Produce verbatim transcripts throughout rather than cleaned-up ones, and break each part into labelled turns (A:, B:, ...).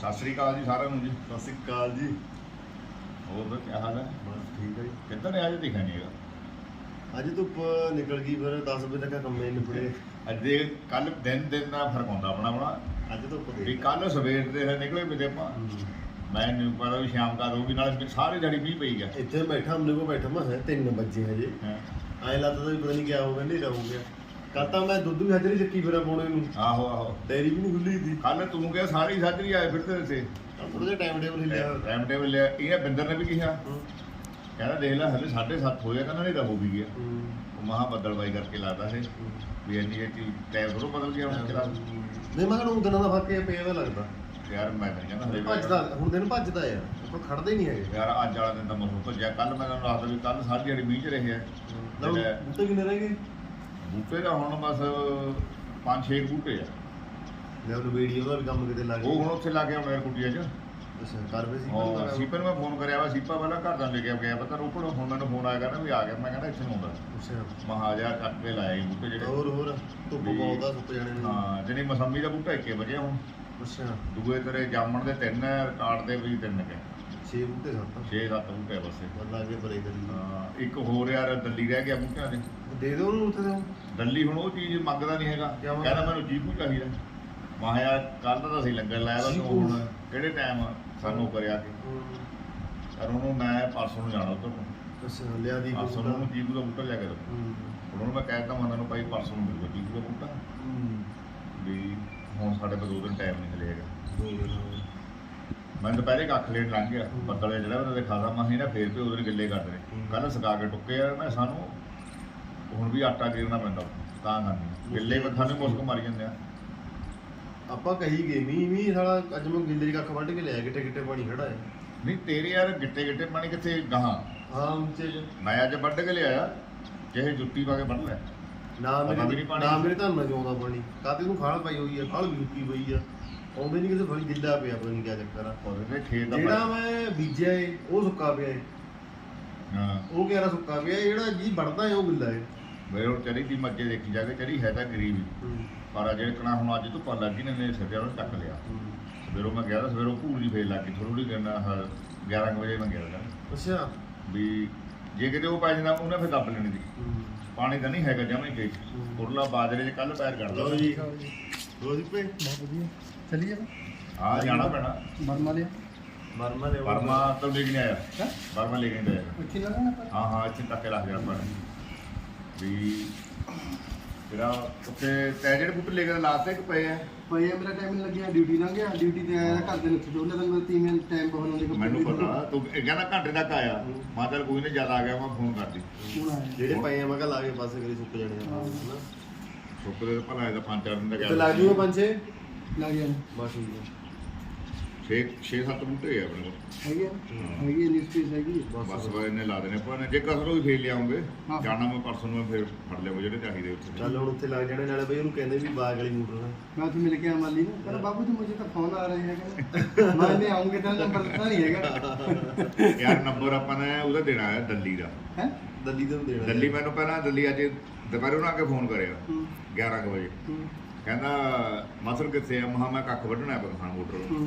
A: ਸਤਿ ਸ੍ਰੀ ਅਕਾਲ ਜੀ ਸਾਰਿਆਂ ਨੂੰ ਜੀ।
B: ਸਤਿ ਸ਼੍ਰੀ ਅਕਾਲ ਜੀ।
A: ਹੋਰ ਫਿਰ ਕੀ ਹਾਲ ਹੈ?
B: ਬਸ ਠੀਕ ਹੈ ਜੀ।
A: ਕਿੱਧਰ ਨੇ ਅੱਜ ਦਿਖਿਆ ਨਹੀਂ ਹੈਗਾ।
B: ਅੱਜ ਧੁੱਪ ਨਿਕਲ ਗਈ, ਫਿਰ ਦਸ ਵਜੇ ਤੱਕ ਕੰਮ ਹੀ ਨਿਬੜੇ।
A: ਅੱਜ ਦੇ ਕੱਲ ਦਿਨ ਦਿਨ ਦਾ ਫਰਕ ਹੁੰਦਾ ਆਪਣਾ ਆਪਣਾ।
B: ਅੱਜ ਧੁੱਪ
A: ਵੀ
B: ਦੇ
A: ਕੱਲ ਸਵੇਰ ਦੇ ਨਿਕਲੇ ਵੀ ਤੇ ਆਪਾਂ ਮੈਂ ਨਹੀਂ ਪਤਾ ਵੀ ਸ਼ਾਮ ਕਾ ਹੋਊਗੀ, ਨਾਲ ਸਾਰੇ ਦਿਹਾੜੀ ਮੀਂਹ ਪਈ ਗਿਆ।
B: ਇੱਥੇ ਬੈਠਾ ਹਮਲੇ ਕੋ ਬੈਠਾ ਮੈਂ ਤਿੰਨ ਵਜੇ ਹਜੇ
A: ਹਾਂ।
B: ਐਂ ਲੱਗਦਾ ਵੀ ਪਤਾ ਨਹੀਂ ਕਿਆ ਹੋ ਗਿਆ, ਹਨੇਰਾ ਹੋ ਗਿਆ। ਕੱਲ ਤਾਂ ਮੈਂ ਦੁੱਧ ਵੀ ਹਜਰੀ ਚੱਕੀ ਫਿਰਾਂ ਪਾਉਣੇ ਨੂੰ,
A: ਆਹੋ ਆਹੋ
B: ਡੈਰੀ ਵੀ ਨਹੀਂ ਖੁੱਲੀ ਸੀ।
A: ਕੱਲ ਤੂੰ ਕਿਹਾ ਸਾਰੀ ਸਾਜਰੀ ਆਏ ਫਿਰਦੇ ਤੇ
B: ਥੋੜਾ ਜਿਹਾ ਟਾਈਮ ਟੇਬਲ ਹਿੱਲਿਆ।
A: ਟਾਈਮ ਟੇਬਲ ਲਿਆ। ਇਹ ਬਿੰਦਰ ਨੇ ਵੀ ਕਿਹਾ, ਕਹਿੰਦਾ ਦੇਖ ਲੈ ਹਲੇ ਸਾਢੇ ਸੱਤ ਹੋਇਆ, ਕਹਿੰਦਾ ਹਨੇਰਾ ਹੋ ਵੀ ਗਿਆ। ਉਹ ਮਹਾ ਬੱਦਲਬਾਈ ਕਰਕੇ ਲੱਗਦਾ ਸੀ ਵੀ ਇੰਨੀ ਇਹ ਟਾਈਮ ਥੋੜ੍ਹਾ ਬਦਲ ਗਿਆ ਹੁਣ ਕਿਹੜਾ।
B: ਨਹੀਂ ਮੈਂ ਕਿਹਾ ਦਿਨਾਂ ਦਾ ਫਰਕ ਪਿਆ ਦਾ ਲੱਗਦਾ
A: ਯਾਰ ਮੈਂ ਤਾਂ ਕਹਿੰਦਾ ਹਲੇ
B: ਭੱਜਦਾ, ਹੁਣ ਦਿਨ ਭੱਜਦਾ ਆ, ਆਪਾਂ ਖੜਦੇ ਹੀ ਨਹੀਂ ਹੈਗੇ
A: ਯਾਰ। ਅੱਜ ਵਾਲਾ ਦਿਨ ਤਾਂ ਮੌਸਮ ਭੱਜਿਆ। ਕੱਲ ਮੈਂ ਤੁਹਾਨੂੰ ਦੱਸਦਾ ਵੀ ਕੱਲ ਸਾਰੀ ਦਿਹਾੜੀ ਮੀਂਹ 'ਚ ਰਹੇ ਆ।
B: ਬੂਟੇ ਕਿੰਨੇ ਰਹਿ ਗਏ?
A: ਬੂਟੇ ਦਾ ਹੁਣ ਬਸ ਪੰਜ ਛੇ ਬੂਟੇ ਆ।
B: ਮੈਂ ਉਹਨੂੰ ਵੀਡੀਓ ਦਾ ਵੀ ਕੰਮ ਕਿਤੇ ਲੱਗ
A: ਉਹ ਹੁਣ ਉੱਥੇ ਲਾ ਕੇ ਆਉਣਾ ਕੁਟੀਆਂ 'ਚ।
B: ਅੱਛਾ ਕਰ ਵੇ ਸੀ
A: ਹਾਂ ਸੀਪੇ ਨੂੰ ਮੈਂ ਫੋਨ ਕਰਿਆ ਵਾ। ਸੀਪਾ ਪਹਿਲਾਂ ਘਰ ਦਾ ਲੈ ਕੇ ਗਿਆ ਪਤਾ ਰੋਪੜ। ਹੁਣ ਮੈਨੂੰ ਫੋਨ ਆਇਆ ਕਹਿੰਦਾ ਵੀ ਆ ਗਿਆ। ਮੈਂ ਕਹਿੰਦਾ ਇੱਥੇ ਨੂੰ ਆਉਂਦਾ।
B: ਅੱਛਾ
A: ਮਹਾਜਾ ਚੱਕ ਕੇ ਲਾਏ ਬੂਟੇ ਜਿਹੜੇ।
B: ਹੋਰ ਹੋਰ ਧੁੱਪ ਬਹੁਤ ਆ, ਸੁੱਕ ਜਾਣੇ ਨੇ।
A: ਹਾਂ ਜਿਹੜੀ ਮਸੰਮੀ ਦਾ ਬੂਟਾ ਇੱਕੇ ਵਜੇ ਹੁਣ।
B: ਅੱਛਾ
A: ਦੂਏ ਤੇਰੇ ਜਾਮਣ ਦੇ ਤਿੰਨ ਹੈ, ਕਾਟ ਦੇ ਵੀ ਤਿੰਨ ਕੇ
B: ਛੇ ਬੂਟੇ ਸੱਤ
A: ਛੇ ਸੱਤ ਬੂਟੇ ਬਸੇ।
B: ਬੰਦਾ ਕੇ ਪਰੇ ਕਰੀ।
A: ਹਾਂ ਇੱਕ ਹੋਰ ਯਾਰ ਦੱਲੀ ਰਹਿ ਗਿਆ ਬੂਟਿਆਂ ਦੇ।
B: ਦੇ ਦਿਓ ਉਹਨੂੰ ਉੱਥੇ ਦੇ।
A: ਦੱਲੀ ਹੁਣ ਉਹ ਚੀਜ਼ ਮੰਗਦਾ ਨਹੀਂ ਹੈਗਾ।
B: ਕਿਆ ਮੰਗਦਾ?
A: ਕਹਿੰਦਾ ਮੈਨੂੰ ਚੀਕੂ ਚਾਹੀਦਾ। ਮੈਂ ਕਿਹਾ ਯਾਰ ਕੱਲ ਤਾਂ ਅਸੀਂ ਲੰਗਰ ਲਾਇਆ ਵਾ, ਤੂੰ ਹੁਣ ਕਿਹੜੇ ਟਾਈਮ ਸਾਨੂੰ ਕਰਿਆ ਕਿ ਯਾਰ ਉਹਨੂੰ ਮੈਂ ਪਰਸੋਂ ਨੂੰ ਜਾਣਾ ਉੱਧਰ ਨੂੰ।
B: ਅੱਛਾ ਲਿਆ ਦੀ
A: ਪਰਸੋਂ ਨੂੰ ਉਹਨੂੰ ਚੀਕੂ ਦਾ ਬੂਟਾ ਲਿਆ ਕੇ ਦੋ। ਹੁਣ ਉਹਨੂੰ ਮੈਂ ਕਹਿ ਦਿੱਤਾ ਮੈਂ ਤੁਹਾਨੂੰ ਭਾਈ ਪਰਸੋਂ ਨੂੰ ਮਿਲੂਗਾ ਚੀਕੂ ਦਾ ਬੂਟਾ। ਵੀ ਹੁਣ ਸਾਡੇ ਕੋਲ ਦੋ ਦਿਨ ਟਾਈਮ ਨਹੀਂ ਮਿਲੇਗਾ। ਮੈਂ ਦੁਪਹਿਰੇ ਕੱਖ ਲੈਣ ਲੰਘ ਗਿਆ। ਬੱਦਲ ਜਿਹੜਾ ਉਹਦੇ ਖਾਦਾ ਮੈਂ ਇਹਨਾਂ ਫੇਰ ਵੀ ਉਹਦੇ ਗਿੱਲੇ ਕਰਦੇ ਨੇ। ਕੱਲ ਸੁਕਾ ਕੇ ਟੁੱਕੇ ਆ ਮੈਂ ਸਾਨੂੰ ਹੁਣ ਵੀ ਆਟਾ ਗੇਰਨਾ ਪੈਂਦਾ ਤਾਂ ਕਰਨੀ। ਗਿੱਲੇ ਕੱਖਾਂ ਨੇ ਮੁਸਕ ਮਾਰੀ ਜਾਂਦੇ ਆ।
B: ਆਪਾਂ ਕਹੀ ਗਏ ਮੀਂਹ ਮੀਂਹ ਸਾਲਾ ਅੱਜ ਮੈਂ ਗਿੱਲੇ ਦੀ ਕੱਖ ਵੱਢ ਕੇ ਲਿਆ, ਗਿੱਟੇ ਗਿੱਟੇ ਪਾਣੀ ਖੜਾ ਹੈ।
A: ਨਹੀਂ ਤੇਰੇ ਯਾਰ ਗਿੱਟੇ ਗਿੱਟੇ ਪਾਣੀ ਕਿੱਥੇ ਗਾਹਾਂ।
B: ਹਾਂ ਉੱਚੇ ਚ
A: ਮੈਂ ਅੱਜ ਵੱਢ ਕੇ ਲਿਆਇਆ, ਜਿਹੇ ਜੁੱਤੀ ਪਾ ਕੇ ਵੱਢ ਲਿਆ।
B: ਨਾ
A: ਪਤਾ ਵੀ
B: ਮੇਰੇ
A: ਨਹੀਂ ਪਾਣੀ।
B: ਨਾ ਮੇਰੇ ਧਾਨਾਂ ਚ ਆਉਂਦਾ ਪਾਣੀ। ਕਾਤੇ ਨੂੰ ਖਾਲ ਪਾਈ ਹੋਈ ਆ, ਖਾਲ ਵੀ ਰੁਕੀ ਪਈ ਆ, ਆਉਂਦੇ ਨਹੀਂ ਕਿਸੇ ਫੜੀ ਗਿੱਲਾ ਪਿਆ, ਪਤਾ ਨਹੀਂ ਕਿਆ ਚੱਕਰ ਆ।
A: ਉਹਦੇ ਖੇਤ ਦਾ
B: ਜਿਹੜਾ ਮੈਂ ਬੀਜਿਆ ਏ ਉਹ ਸੁੱਕਾ ਪਿਆ ਏ।
A: ਹਾਂ
B: ਉਹ ਕਿਹੜਾ ਸੁੱਕਾ ਪਿਆ ਏ, ਜਿਹੜਾ ਜੀ ਵੜਦਾ ਏ ਉਹ ਗਿੱਲਾ ਏ।
A: ਮੇਰੇ ਹੁਣ ਚਰੀ ਦੀ ਮੱਝੇ ਦੇਖੀ ਜਾ ਕੇ, ਚਰੀ ਹੈ ਤਾਂ ਗਰੀਬ ਹੀ। ਪਰ ਜਿਹੜੇ ਕਣਾ ਹੁਣ ਅੱਜ ਧੁੱਪਾਂ ਲੱਗ ਗਈ ਨੇ ਨੇ ਸਿਰ ਉਹਨੂੰ ਚੱਕ ਲਿਆ। ਸਵੇਰੋਂ ਮੈਂ ਗਿਆ ਤਾਂ ਸਵੇਰੋਂ ਭੂਲ ਜੀ ਫੇਰ ਲੱਗ ਗਈ ਥੋੜੀ ਥੋੜੀ ਕਰਨਾ। ਗਿਆਰਾਂ ਕੁ ਵਜੇ ਮੈਂ ਗਿਆ ਤਾਂ
B: ਅੱਛਾ
A: ਵੀ ਜੇ ਕਿਤੇ ਉਹ ਪੈ ਜਾਂਦਾ ਉਹਨੇ ਫਿਰ ਦੱਬ ਲੈਣੀ ਸੀ। ਪਾਣੀ ਤਾਂ ਨਹੀਂ ਹੈਗਾ ਜਮਾਂ ਹੀ ਖੇਤ। ਉਰਲਾ ਬਾਜਰੇ 'ਚ ਕੱਲ ਪੈਰ ਕੱਢ
B: ਲਓ
A: ਲਓ
B: ਜੀ ਰੋਜ਼ ਪੇ
C: ਬਹੁਤ ਵਧੀਆ ਚਲੀਏ
A: ਆ ਜਾਣਾ ਪੈਣਾ।
C: ਬਰਮਾ ਲਿਆ
B: ਮਰਮਾ ਦੇ
A: ਬਰਮਾ ਤੋਂ ਲੈ ਕੇ ਨਹੀਂ ਆਇਆ।
C: ਹੈਂ?
A: ਬਰਮਾ ਲੈ ਕੇ ਨਹੀਂ ਆਇਆ।
C: ਉੱਥੇ ਲੱਗਣਾ ਪਰ
A: ਹਾਂ ਹਾਂ ਇੱਥੇ ਤੱਕ ਲੱਗ ਗਿਆ ਪਰ ਵੀ ਜਿਹੜਾ ਉੱਥੇ ਤੈ ਜਿਹੜੇ ਬੂਟੇ ਲੈ ਕੇ ਲਾਤੇ ਕਿ ਪਏ ਆ।
C: ਪਈ ਆ, ਮੇਰਾ ਟਾਈਮ ਨਹੀਂ ਲੱਗਿਆ, ਡਿਊਟੀ ਲੰਘ ਗਿਆ। ਡਿਊਟੀ ਤੇ ਆਇਆ ਘਰ ਦੇ ਵਿੱਚ ਦੋਨੇ ਦਿਨ ਮੇਰੇ ਤੀਵੇਂ ਟਾਈਮ ਬਹੁਤ ਹੁੰਦੇ।
A: ਮੈਨੂੰ ਪਤਾ ਤੂੰ ਇਹ ਕਹਿੰਦਾ ਘੰਟੇ ਤੱਕ ਆਇਆ। ਮੈਂ ਚੱਲ ਕੋਈ ਨਹੀਂ ਜ਼ਿਆਦਾ ਆ ਗਿਆ ਮੈਂ ਫੋਨ ਕਰਦੀ।
C: ਹੁਣ ਆਇਆ
B: ਜਿਹੜੇ ਪਏ ਆ ਮੈਂ ਕਿਹਾ ਲਾ ਕੇ ਪਾਸੇ ਕਰੀ ਸੁੱਕ ਜਾਣੇ ਆ ਹਨਾ।
A: ਸੁੱਕਦੇ ਭਲਾ ਇਹਦਾ ਪੰਜ ਚਾਰ ਦਿਨ ਦਾ
B: ਤੇ ਲੱਗ ਜੂਗਾ ਪੰਜ ਛੇ
C: ਲੱਗ ਗਿਆ
B: ਬਸ ਠੀਕ ਹੈ।
A: ਛੇ ਛੇ ਸੱਤ ਬੂਟੇ ਆ ਆਪਣੇ ਕੋਲ।
C: ਹੈਗੀ ਆ ਹੈਗੀ ਨਿਊਜ਼ ਪੇਜ ਹੈਗੀ ਆ।
A: ਬਸ ਵਾ ਇਹਨੇ ਲਾ ਦੇਣੇ ਆਪਾਂ ਨੇ। ਜੇ ਕਸਰ ਹੋਈ ਫੇਰ ਲਿਆਉਂਗੇ
C: ਹਾਂ।
A: ਜਾਣਾ ਮੈਂ ਪਰਸੋਂ ਨੂੰ ਫੇਰ ਫੜ ਲਿਆਉਂਗਾ ਜਿਹੜੇ ਚਾਹੀਦੇ ਉੱਥੇ।
B: ਚੱਲ ਹੁਣ ਉੱਥੇ ਲੱਗ ਜਾਣੇ ਨਾਲੇ ਬਈ ਉਹਨੂੰ ਕਹਿੰਦੇ ਵੀ ਬਾਗ ਵਾਲੀ ਮੋਟਰ ਹੈ।
C: मैं तो मिल गया माली ने कहना बाबू जी मुझे तो फोन आ रहे हैं मैं नहीं आऊंगे तो नंबर पता नहीं हैगा
A: ਯਾਰ ਨੰਬਰ ਆਪਾਂ ਨੇ ਉਹਦਾ ਦੇਣਾ ਹੈ ਦੱਲੀ ਦਾ।
C: हैं
B: ਦੱਲੀ ਤੋਂ ਦੇਣਾ
A: ਦੱਲੀ ਮੈਨੂੰ ਪਹਿਲਾਂ ਦੱਲੀ ਅੱਜ ਦੁਪਹਿਰੇ ਉਹਨਾਂ ਆ ਕੇ ਫੋਨ ਕਰਿਆ ਗਿਆਰਾਂ ਕੁ ਵਜੇ। ਕਹਿੰਦਾ ਮਸਲ ਕਿੱਥੇ ਆ। ਮਹਾ ਮੈਂ ਕੱਖ ਵੱਢਣਾ ਪਖਾਨ ਮੋਟਰ।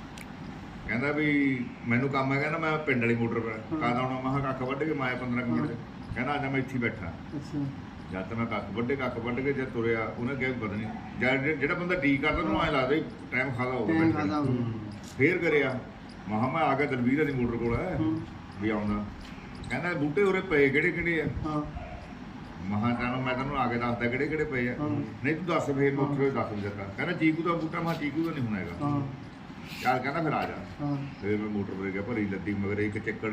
A: ਕਹਿੰਦਾ ਵੀ ਮੈਨੂੰ ਕੰਮ ਹੈ। ਕਹਿੰਦਾ ਮੈਂ ਪਿੰਡ ਵਾਲੀ ਮੋਟਰ ਪਰ ਕਾਹਦਾ ਆਉਣਾ। ਮਹਾ ਕੱਖ ਵੱਢ ਕੇ ਮੈਂ ਪੰਦਰਾਂ ਕੁ ਮਿੰਟ। ਕਹਿੰਦਾ ਅੱਜ ਮੈਂ ਇੱਥੇ ਬੈਠਾ।
C: अच्छा
A: ਜਦ ਤੱਕ ਮੈਂ ਕੱਖ ਵੱਢੇ ਕੱਖ ਵੱਢ ਕੇ ਜਦ ਤੁਰਿਆ ਉਹਨੇ ਕਿਹਾ ਵੀ ਪਤਾ ਨਹੀਂ ਜਦ ਜਿਹੜਾ ਬੰਦਾ ਠੀਕ ਕਰਦਾ ਉਹਨੂੰ ਐਂ ਲੱਗਦਾ ਟਾਈਮ ਖਾਦਾ ਹੋ
C: टाइम
A: ਗਿਆ।
C: खादा हो
A: ਫੇਰ ਕਰਿਆ ਮਹਾ ਮੈਂ ਆ ਗਿਆ ਦਲਵੀਰ ਦੀ ਮੋਟਰ ਕੋਲ ਹੈ ਵੀ ਆਉਂਦਾ। ਕਹਿੰਦਾ ਬੂਟੇ ਉਰੇ ਪਏ ਕਿਹੜੇ ਕਿਹੜੇ ਆ।
C: हां
A: ਮਹਾ ਤੈਨੂੰ ਮੈਂ ਤੈਨੂੰ ਆ ਕੇ ਦੱਸਦਾ ਕਿਹੜੇ ਕਿਹੜੇ ਪਏ ਆ। ਨਹੀਂ ਤੂੰ ਦੱਸ ਫੇਰ ਮੈਂ ਉੱਥੇ ਦੱਸ ਵੀ ਦਿੱਤਾ। ਕਹਿੰਦਾ ਚੀਕੂ ਦਾ ਬੂਟਾ। ਮੈਂ ਚੀਕੂ ਦਾ ਨਹੀਂ ਹੋਣਾ ਹੈਗਾ।
C: हां
A: ਚੱਲ ਕਹਿੰਦਾ ਫਿਰ ਆ ਜਾ।
C: हां
A: ਫਿਰ ਮੈਂ ਮੋਟਰ ਪਰ ਗਿਆ ਭਰੀ ਲੱਦੀ ਮਗਰ ਇੱਕ ਚੱਕੜ।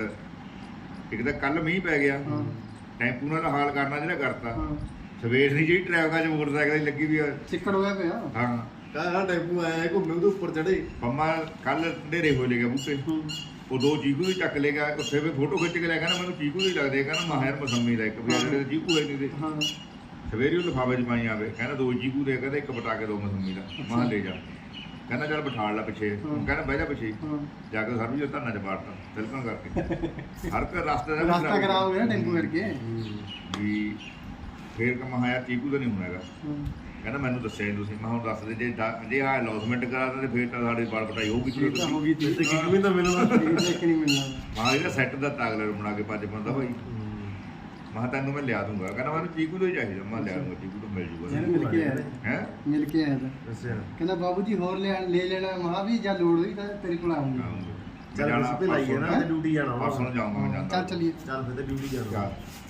A: ਇੱਕ ਤਾਂ ਕੱਲ ਮੀਂਹ ਪੈ ਗਿਆ।
C: हां
A: ਟੈਂਪੂ ਨਾਲ ਹਾਲ ਕਰਨਾ ਜਿਹੜਾ ਕਰਤਾ।
C: हां
A: ਸਵੇਰ ਦੀ ਜਿਹੜੀ ਟ੍ਰੈਫਿਕਾਂ 'ਚ ਮੋਟਰਸਾਈਕਲ ਦੀ ਲੱਗੀ ਵੀ ਆ।
C: चिकड़ हो गया पे
A: ਹਾਂ
B: ਕਹਾਂ ਟੈਂਪੂ ਆਇਆ ਘੁੰਮੇ ਉਹਦੇ ਉੱਪਰ ਚੜੇ।
A: ਪੰਮਾ ਕੱਲ ਢੇਰੇ ਹੋ ਲੈ ਗਿਆ ਬੂਟੇ। ਉਹ ਦੋ ਚੀਕੂ ਵੀ ਚੱਕ ਲੈ ਗਿਆ। ਉੱਥੇ ਵੀ ਫੋਟੋ ਖਿੱਚ ਕੇ ਲੈ ਕਹਿੰਦਾ ਮੈਨੂੰ ਚੀਕੂ ਹੀ ਲੱਗਦੇ। ਕਹਿੰਦਾ ਮਾਹਿਰ ਮਸੰਮੀ ਦਾ ਇੱਕ ਵੀ ਜਿਹੜੇ ਚੀਕੂ ਹੈ ਨਹੀਂ ਦੇ।
C: हां
A: ਸਵੇਰੇ ਉਹ ਲਿਫਾਫੇ 'ਚ ਪਾਈ ਆਵੇ। ਕਹਿੰਦਾ ਦੋ ਚੀਕੂ ਦੇ ਕਹਿੰਦਾ ਇੱਕ ਬਟਾ ਕੇ ਦੋ ਮਸੰਮੀ ਦਾ। ਮਾਹ ਲੈ ਜਾ। ਕਹਿੰਦਾ ਚੱਲ ਬਿਠਾੜ ਲੈ ਪਿੱਛੇ। ਕਹਿੰਦਾ ਬਹਿ ਜਾ ਪਿੱਛੇ।
C: हां
A: ਜਾ ਕੇ ਸਰਵੀ ਜੋ ਧਰਨਾ 'ਚ ਬਾੜਤਾ ਤਿਲਕਣ ਕਰਕੇ। ਹਰ ਕੋਈ ਰਸਤੇ ਦਾ
C: रास्ता खराब हो गया टेंपू करके
A: ਵੀ ਫੇਰ ਕਮਾ ਯਾਰ ਚੀਕੂ ਦਾ ਨਹੀਂ ਹੋਣਾ ਹੈਗਾ। ਕਹਿੰਦਾ ਮੈਨੂੰ ਦੱਸਿਆ ਨੀ ਤੁਸੀਂ। ਮੈਂ ਹੁਣ ਦੱਸ ਦੇ ਜੇ ਡਾ- ਜੇ ਆ ਅਨਾਉਂਸਮੈਂਟ ਕਰਾ ਦਿੰਦੇ ਫਿਰ ਤਾਂ ਸਾਡੀ ਬਾਲ ਕਟਾਈ ਹੋਊਗੀ
C: ਇਹ ਤਾਂ ਹੋ ਗਈ
B: ਤੇ ਕੀ ਵੀ ਤਾਂ ਮਿਲਣਾ
C: ਇਹ ਕਿ ਨਹੀਂ ਮਿਲਣਾ।
A: ਮਾਂ ਇਹਦਾ ਸੈੱਟ ਦਾ ਤਾਗਲੇ ਨੂੰ ਬਣਾ ਕੇ ਪੰਜ ਬੰਦਾ ਭਾਈ ਮੈਂ ਤੈਨੂੰ ਮੈਂ ਲਿਆ ਦੂੰਗਾ। ਕਹਿੰਦਾ ਮੈਨੂੰ ਚੀਕੂ ਤੋਂ ਹੀ ਚਾਹੀਦਾ। ਮੈਂ ਲਿਆ ਦੂੰਗਾ ਚੀਕੂ ਤੋਂ ਮਿਲ ਜੂਗਾ
C: ਯਾਰ ਮਿਲ ਕੇ ਆਇਆ
A: ਹੈ
C: ਮਿਲ ਕੇ ਆਇਆ ਤਾਂ
B: ਦੱਸਿਆ
C: ਕਹਿੰਦਾ ਬਾਬੂ ਜੀ ਹੋਰ ਲੈ ਲੈ ਲੈਣਾ ਮਹਾ ਵੀ ਜਾਂ ਲੋੜ ਹੋਈ ਤਾਂ ਤੇਰੇ ਕੋਲ ਆਉਂਗੀ।
B: ਚੱਲ ਅਸੀਂ ਤੇ ਲਾਈਏ ਨਾ ਤੇ ਡਿਊਟੀ ਜਾਣਾ
A: ਪਰਸੋਂ ਨੂੰ ਜਾਊਂਗਾ ਮੈਂ ਜਾਂਦਾ
C: ਚੱਲ ਚਲੀਏ
B: ਚੱਲ ਫਿਰ ਤੇ ਡਿਊਟੀ ਜਾਣਾ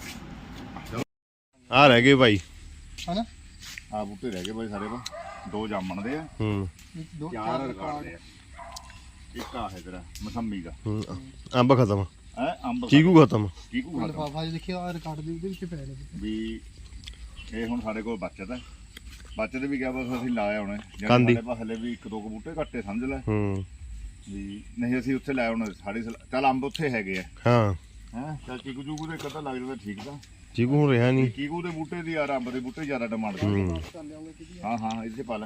D: ਆ ਰਹਿ ਗਏ ਭਾਈ
C: ਹਨਾ
A: ਆ ਬੂਟੇ ਰਹਿ ਗਏ ਭਾਈ ਸਾਰੇ ਪਾ ਦੋ ਜਾਮਣ ਦੇ ਆ
D: ਹੂੰ
C: ਇੱਕ ਦੋ
A: ਚਾਰ ਰਿਕਾਰਡ ਦੇ ਆ ਇੱਕ ਆ ਹੈ ਤੇਰਾ ਮਸੰਮੀ ਦਾ
D: ਹੂੰ, ਅੰਬ ਖਤਮ
A: ਹੈ ਅੰਬ
D: ਚੀਕੂ ਖਤਮ
A: ਚੀਕੂ ਖਤਮ
C: ਲਿਫਾਫਾ ਜਿਹਾ ਦੇਖਿਆ ਆ ਰਿਕਾਰਡ ਦੇ ਉਹਦੇ ਵਿੱਚ ਪੈ ਨੇ
A: ਵੀ ਇਹ ਹੁਣ ਸਾਡੇ ਕੋਲ ਬਚਤ ਹੈ ਬਚਤ ਵੀ ਕਿਹਾ ਬਸ ਅਸੀਂ ਲਾਇਆ ਹੋਣਾ
D: ਕਾਂਦੀ।
A: ਸਾਡੇ ਪਾ ਹਲੇ ਵੀ ਇੱਕ ਦੋ ਕੁ ਬੂਟੇ ਘੱਟੇ ਸਮਝ ਲੈ
D: ਹੂੰ
A: ਵੀ ਨਹੀਂ ਅਸੀਂ ਉੱਥੇ ਲਾਇਆ ਹੋਣਾ ਸਾਡੀ ਸਲਾ- ਚੱਲ ਅੰਬ ਉੱਥੇ ਹੈਗੇ ਆ
D: ਹਾਂ
A: ਹੈ ਚੱਲ ਚੀਕੂ ਚੂਕੂ ਦੇ ਕਦਾ ਲੱਗ ਜਾਂਦਾ ਠੀਕ ਤਾਂ
D: ਚੀਕੂ ਹੁਣ ਰਿਹਾ ਨਹੀਂ
A: ਚੀਕੂ ਦੇ ਬੂਟੇ ਦੀ ਯਾਰ ਅੰਬ ਦੇ ਬੂਟੇ ਜ਼ਿਆਦਾ ਡਿਮਾਂਡ ਕਰਦੇ
D: ਹੂੰ
A: ਹਾਂ ਹਾਂ ਇਹਦੇ 'ਚ ਪਾ ਲੈ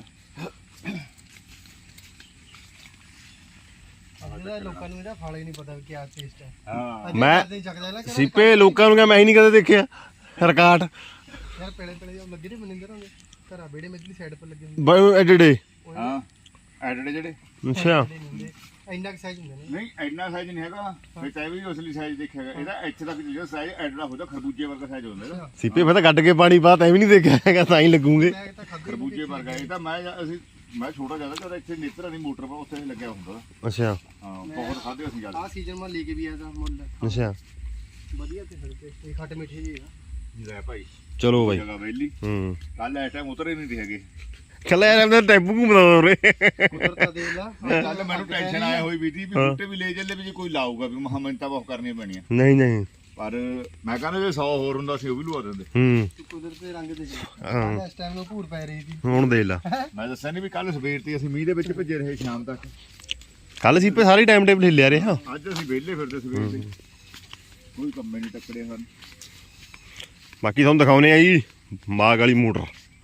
C: ਇਹਦਾ ਲੋਕਾਂ ਨੂੰ ਇਹਦਾ ਫਲ ਹੀ ਨਹੀਂ ਪਤਾ ਵੀ ਕੀ ਟੇਸਟ ਹੈ।
A: ਹਾਂ
D: ਮੈਂ
C: ਨਹੀਂ ਚੱਕਦਾ ਨਾ
D: ਸੀਪੇ ਲੋਕਾਂ ਨੂੰ ਕਿਹਾ ਮੈਂ ਹੀ ਨਹੀਂ ਕਦੇ ਦੇਖਿਆ ਰਿਕਾਰਡ
C: ਯਾਰ ਪੇੜੇ ਪੇੜੇ ਉਹ ਲੱਗੇ ਨੇ ਮਨਿੰਦਰ ਹੋਗੇ ਘਰਾਂ ਬੇੜੇ ਮੇਰੀ ਸਾਈਡ ਪਰ ਲੱਗੇ ਹੁੰਦੇ
D: ਬਈ ਐਡੜੇ
A: ਹਾਂ ਐਡੜੇ ਜਿਹੜੇ
D: ਅੱਛਾ
C: ਨਹੀਂ ਹੁੰਦੇ ਇੰਨਾ ਕੁ ਸਾਈਜ਼ ਹੁੰਦੇ ਨੇ
A: ਨਹੀਂ ਇੰਨਾ ਸਾਈਜ਼ ਨਹੀਂ ਹੈਗਾ ਵੀ ਤੈ ਵੀ ਅਸਲੀ ਸਾਈਜ਼ ਦੇਖਿਆਗਾ ਇਹਦਾ ਇੱਥੇ ਤੱਕ ਜਿਹੜਾ ਸਾਈਜ਼ ਐਡੜਾ ਹੁੰਦਾ ਖਰਬੂਜੇ ਵਰਗਾ ਸਾਈਜ਼ ਹੁੰਦਾ ਇਹਦਾ
D: ਸੀਪੇ ਫਿਰ ਤਾਂ ਕੱਢ ਕੇ ਪਾਣੀ ਪਾ ਤੈਂ ਵੀ ਨਹੀਂ ਦੇਖਿਆ ਹੈਗਾ ਤਾਂ ਹੀ ਲੱਗੂਗੇ
C: ਮੈਂ ਤਾਂ ਖਾਧੀ
A: ਖਰਬੂਜੇ ਵਰਗਾ ਇਹ ਤਾਂ ਮੈਂ ਅਸੀਂ ਮੈਂ ਛੋਟਾ ਜਿਆਦਾ ਜਦ ਇੱਥੇ ਨੇਤਰਾ ਦੀ ਮੋਟਰ ਪਰ ਉੱਥੇ ਲੱਗਿਆ ਹੁੰਦਾ
D: ਅੱਛਾ
A: ਹਾਂ ਬਹੁਤ ਖਾਦੇ ਅਸੀਂ ਜਿਆਦਾ
C: ਆ ਸੀਜ਼ਨ ਮਾ ਲੈ ਕੇ ਵੀ ਆਇਆ ਤਾਂ ਮੁੱਲ
D: ਅੱਛਾ
C: ਵਧੀਆ ਤੇ ਹਲਕੇ ਇਹ ਖੱਟ ਮਿੱਠੇ ਜੀ ਆ
A: ਲੈ ਭਾਈ
D: ਚਲੋ ਬਾਈ
A: ਜਗ੍ਹਾ ਵੇਲੀ
D: ਹੂੰ
A: ਕੱਲ ਐ ਟਾਈਮ ਉਤਰੇ ਨਹੀਂ ਹੈਗੇ
D: ਕੱਲਾ ਯਾਰ ਆਪਣਾ ਟੈਂਪੂ ਘੁੰਮਦਾ ਉਰੇ
C: ਕੁਦਰਤ ਦੇ ਲਾ
A: ਕੱਲ ਮੈਨੂੰ ਟੈਨਸ਼ਨ ਆਇਆ ਹੋਈ ਵੀ ਸੀ ਵੀ ਬੂਟੇ ਵੀ ਲੈ ਚੱਲੇ ਵੀ ਜੇ ਕੋਈ ਲਾਊਗਾ ਵੀ ਮਹਾ ਮਿੰਟਾਂ ਬਹੁਤ ਕਰਨੀਆਂ ਪੈਣੀਆਂ
D: ਨਹੀਂ ਨਹੀਂ
A: ਪਰ ਮੈਂ ਕਹਿੰਦਾ ਜੇ ਸੌ ਹੋਰ ਹੁੰਦਾ ਸੀ ਉਹ ਵੀ ਲਵਾ ਦਿੰਦੇ
D: ਹੂੰ
C: ਕੁਦਰਤ ਦੇ ਰੰਗ ਦੇ ਜੀ
D: ਹਾਂ
C: ਇਸ ਟਾਈਮ ਨੂੰ ਭੂਰ ਪੈ ਰਹੀ ਸੀ
D: ਹੁਣ ਦੇਖ ਲਾ
A: ਮੈਂ ਦੱਸਿਆ ਨਹੀਂ ਵੀ ਕੱਲ ਸਵੇਰ ਤੇ ਅਸੀਂ ਮੀਂਹ ਦੇ ਵਿੱਚ ਭੱਜੇ ਰਹੇ ਸ਼ਾਮ ਤੱਕ
D: ਕੱਲ ਸੀਪੇ ਸਾਰੀ ਟਾਈਮ ਟੇਬਲ ਹਿੱਲਿਆ ਰਿਹਾ
A: ਅੱਜ ਅਸੀਂ ਵਿਹਲੇ ਫਿਰਦੇ ਸਵੇਰ ਦੇ ਕੋਈ ਕੰਮੇ ਨਹੀਂ ਟੱਕਰੇ ਹਨ
D: ਬਾਕੀ ਤੁਹਾਨੂੰ ਦਿਖਾਉਨੇ ਆ ਜੀ ਮਾਗ ਵਾਲੀ ਮੋਟਰ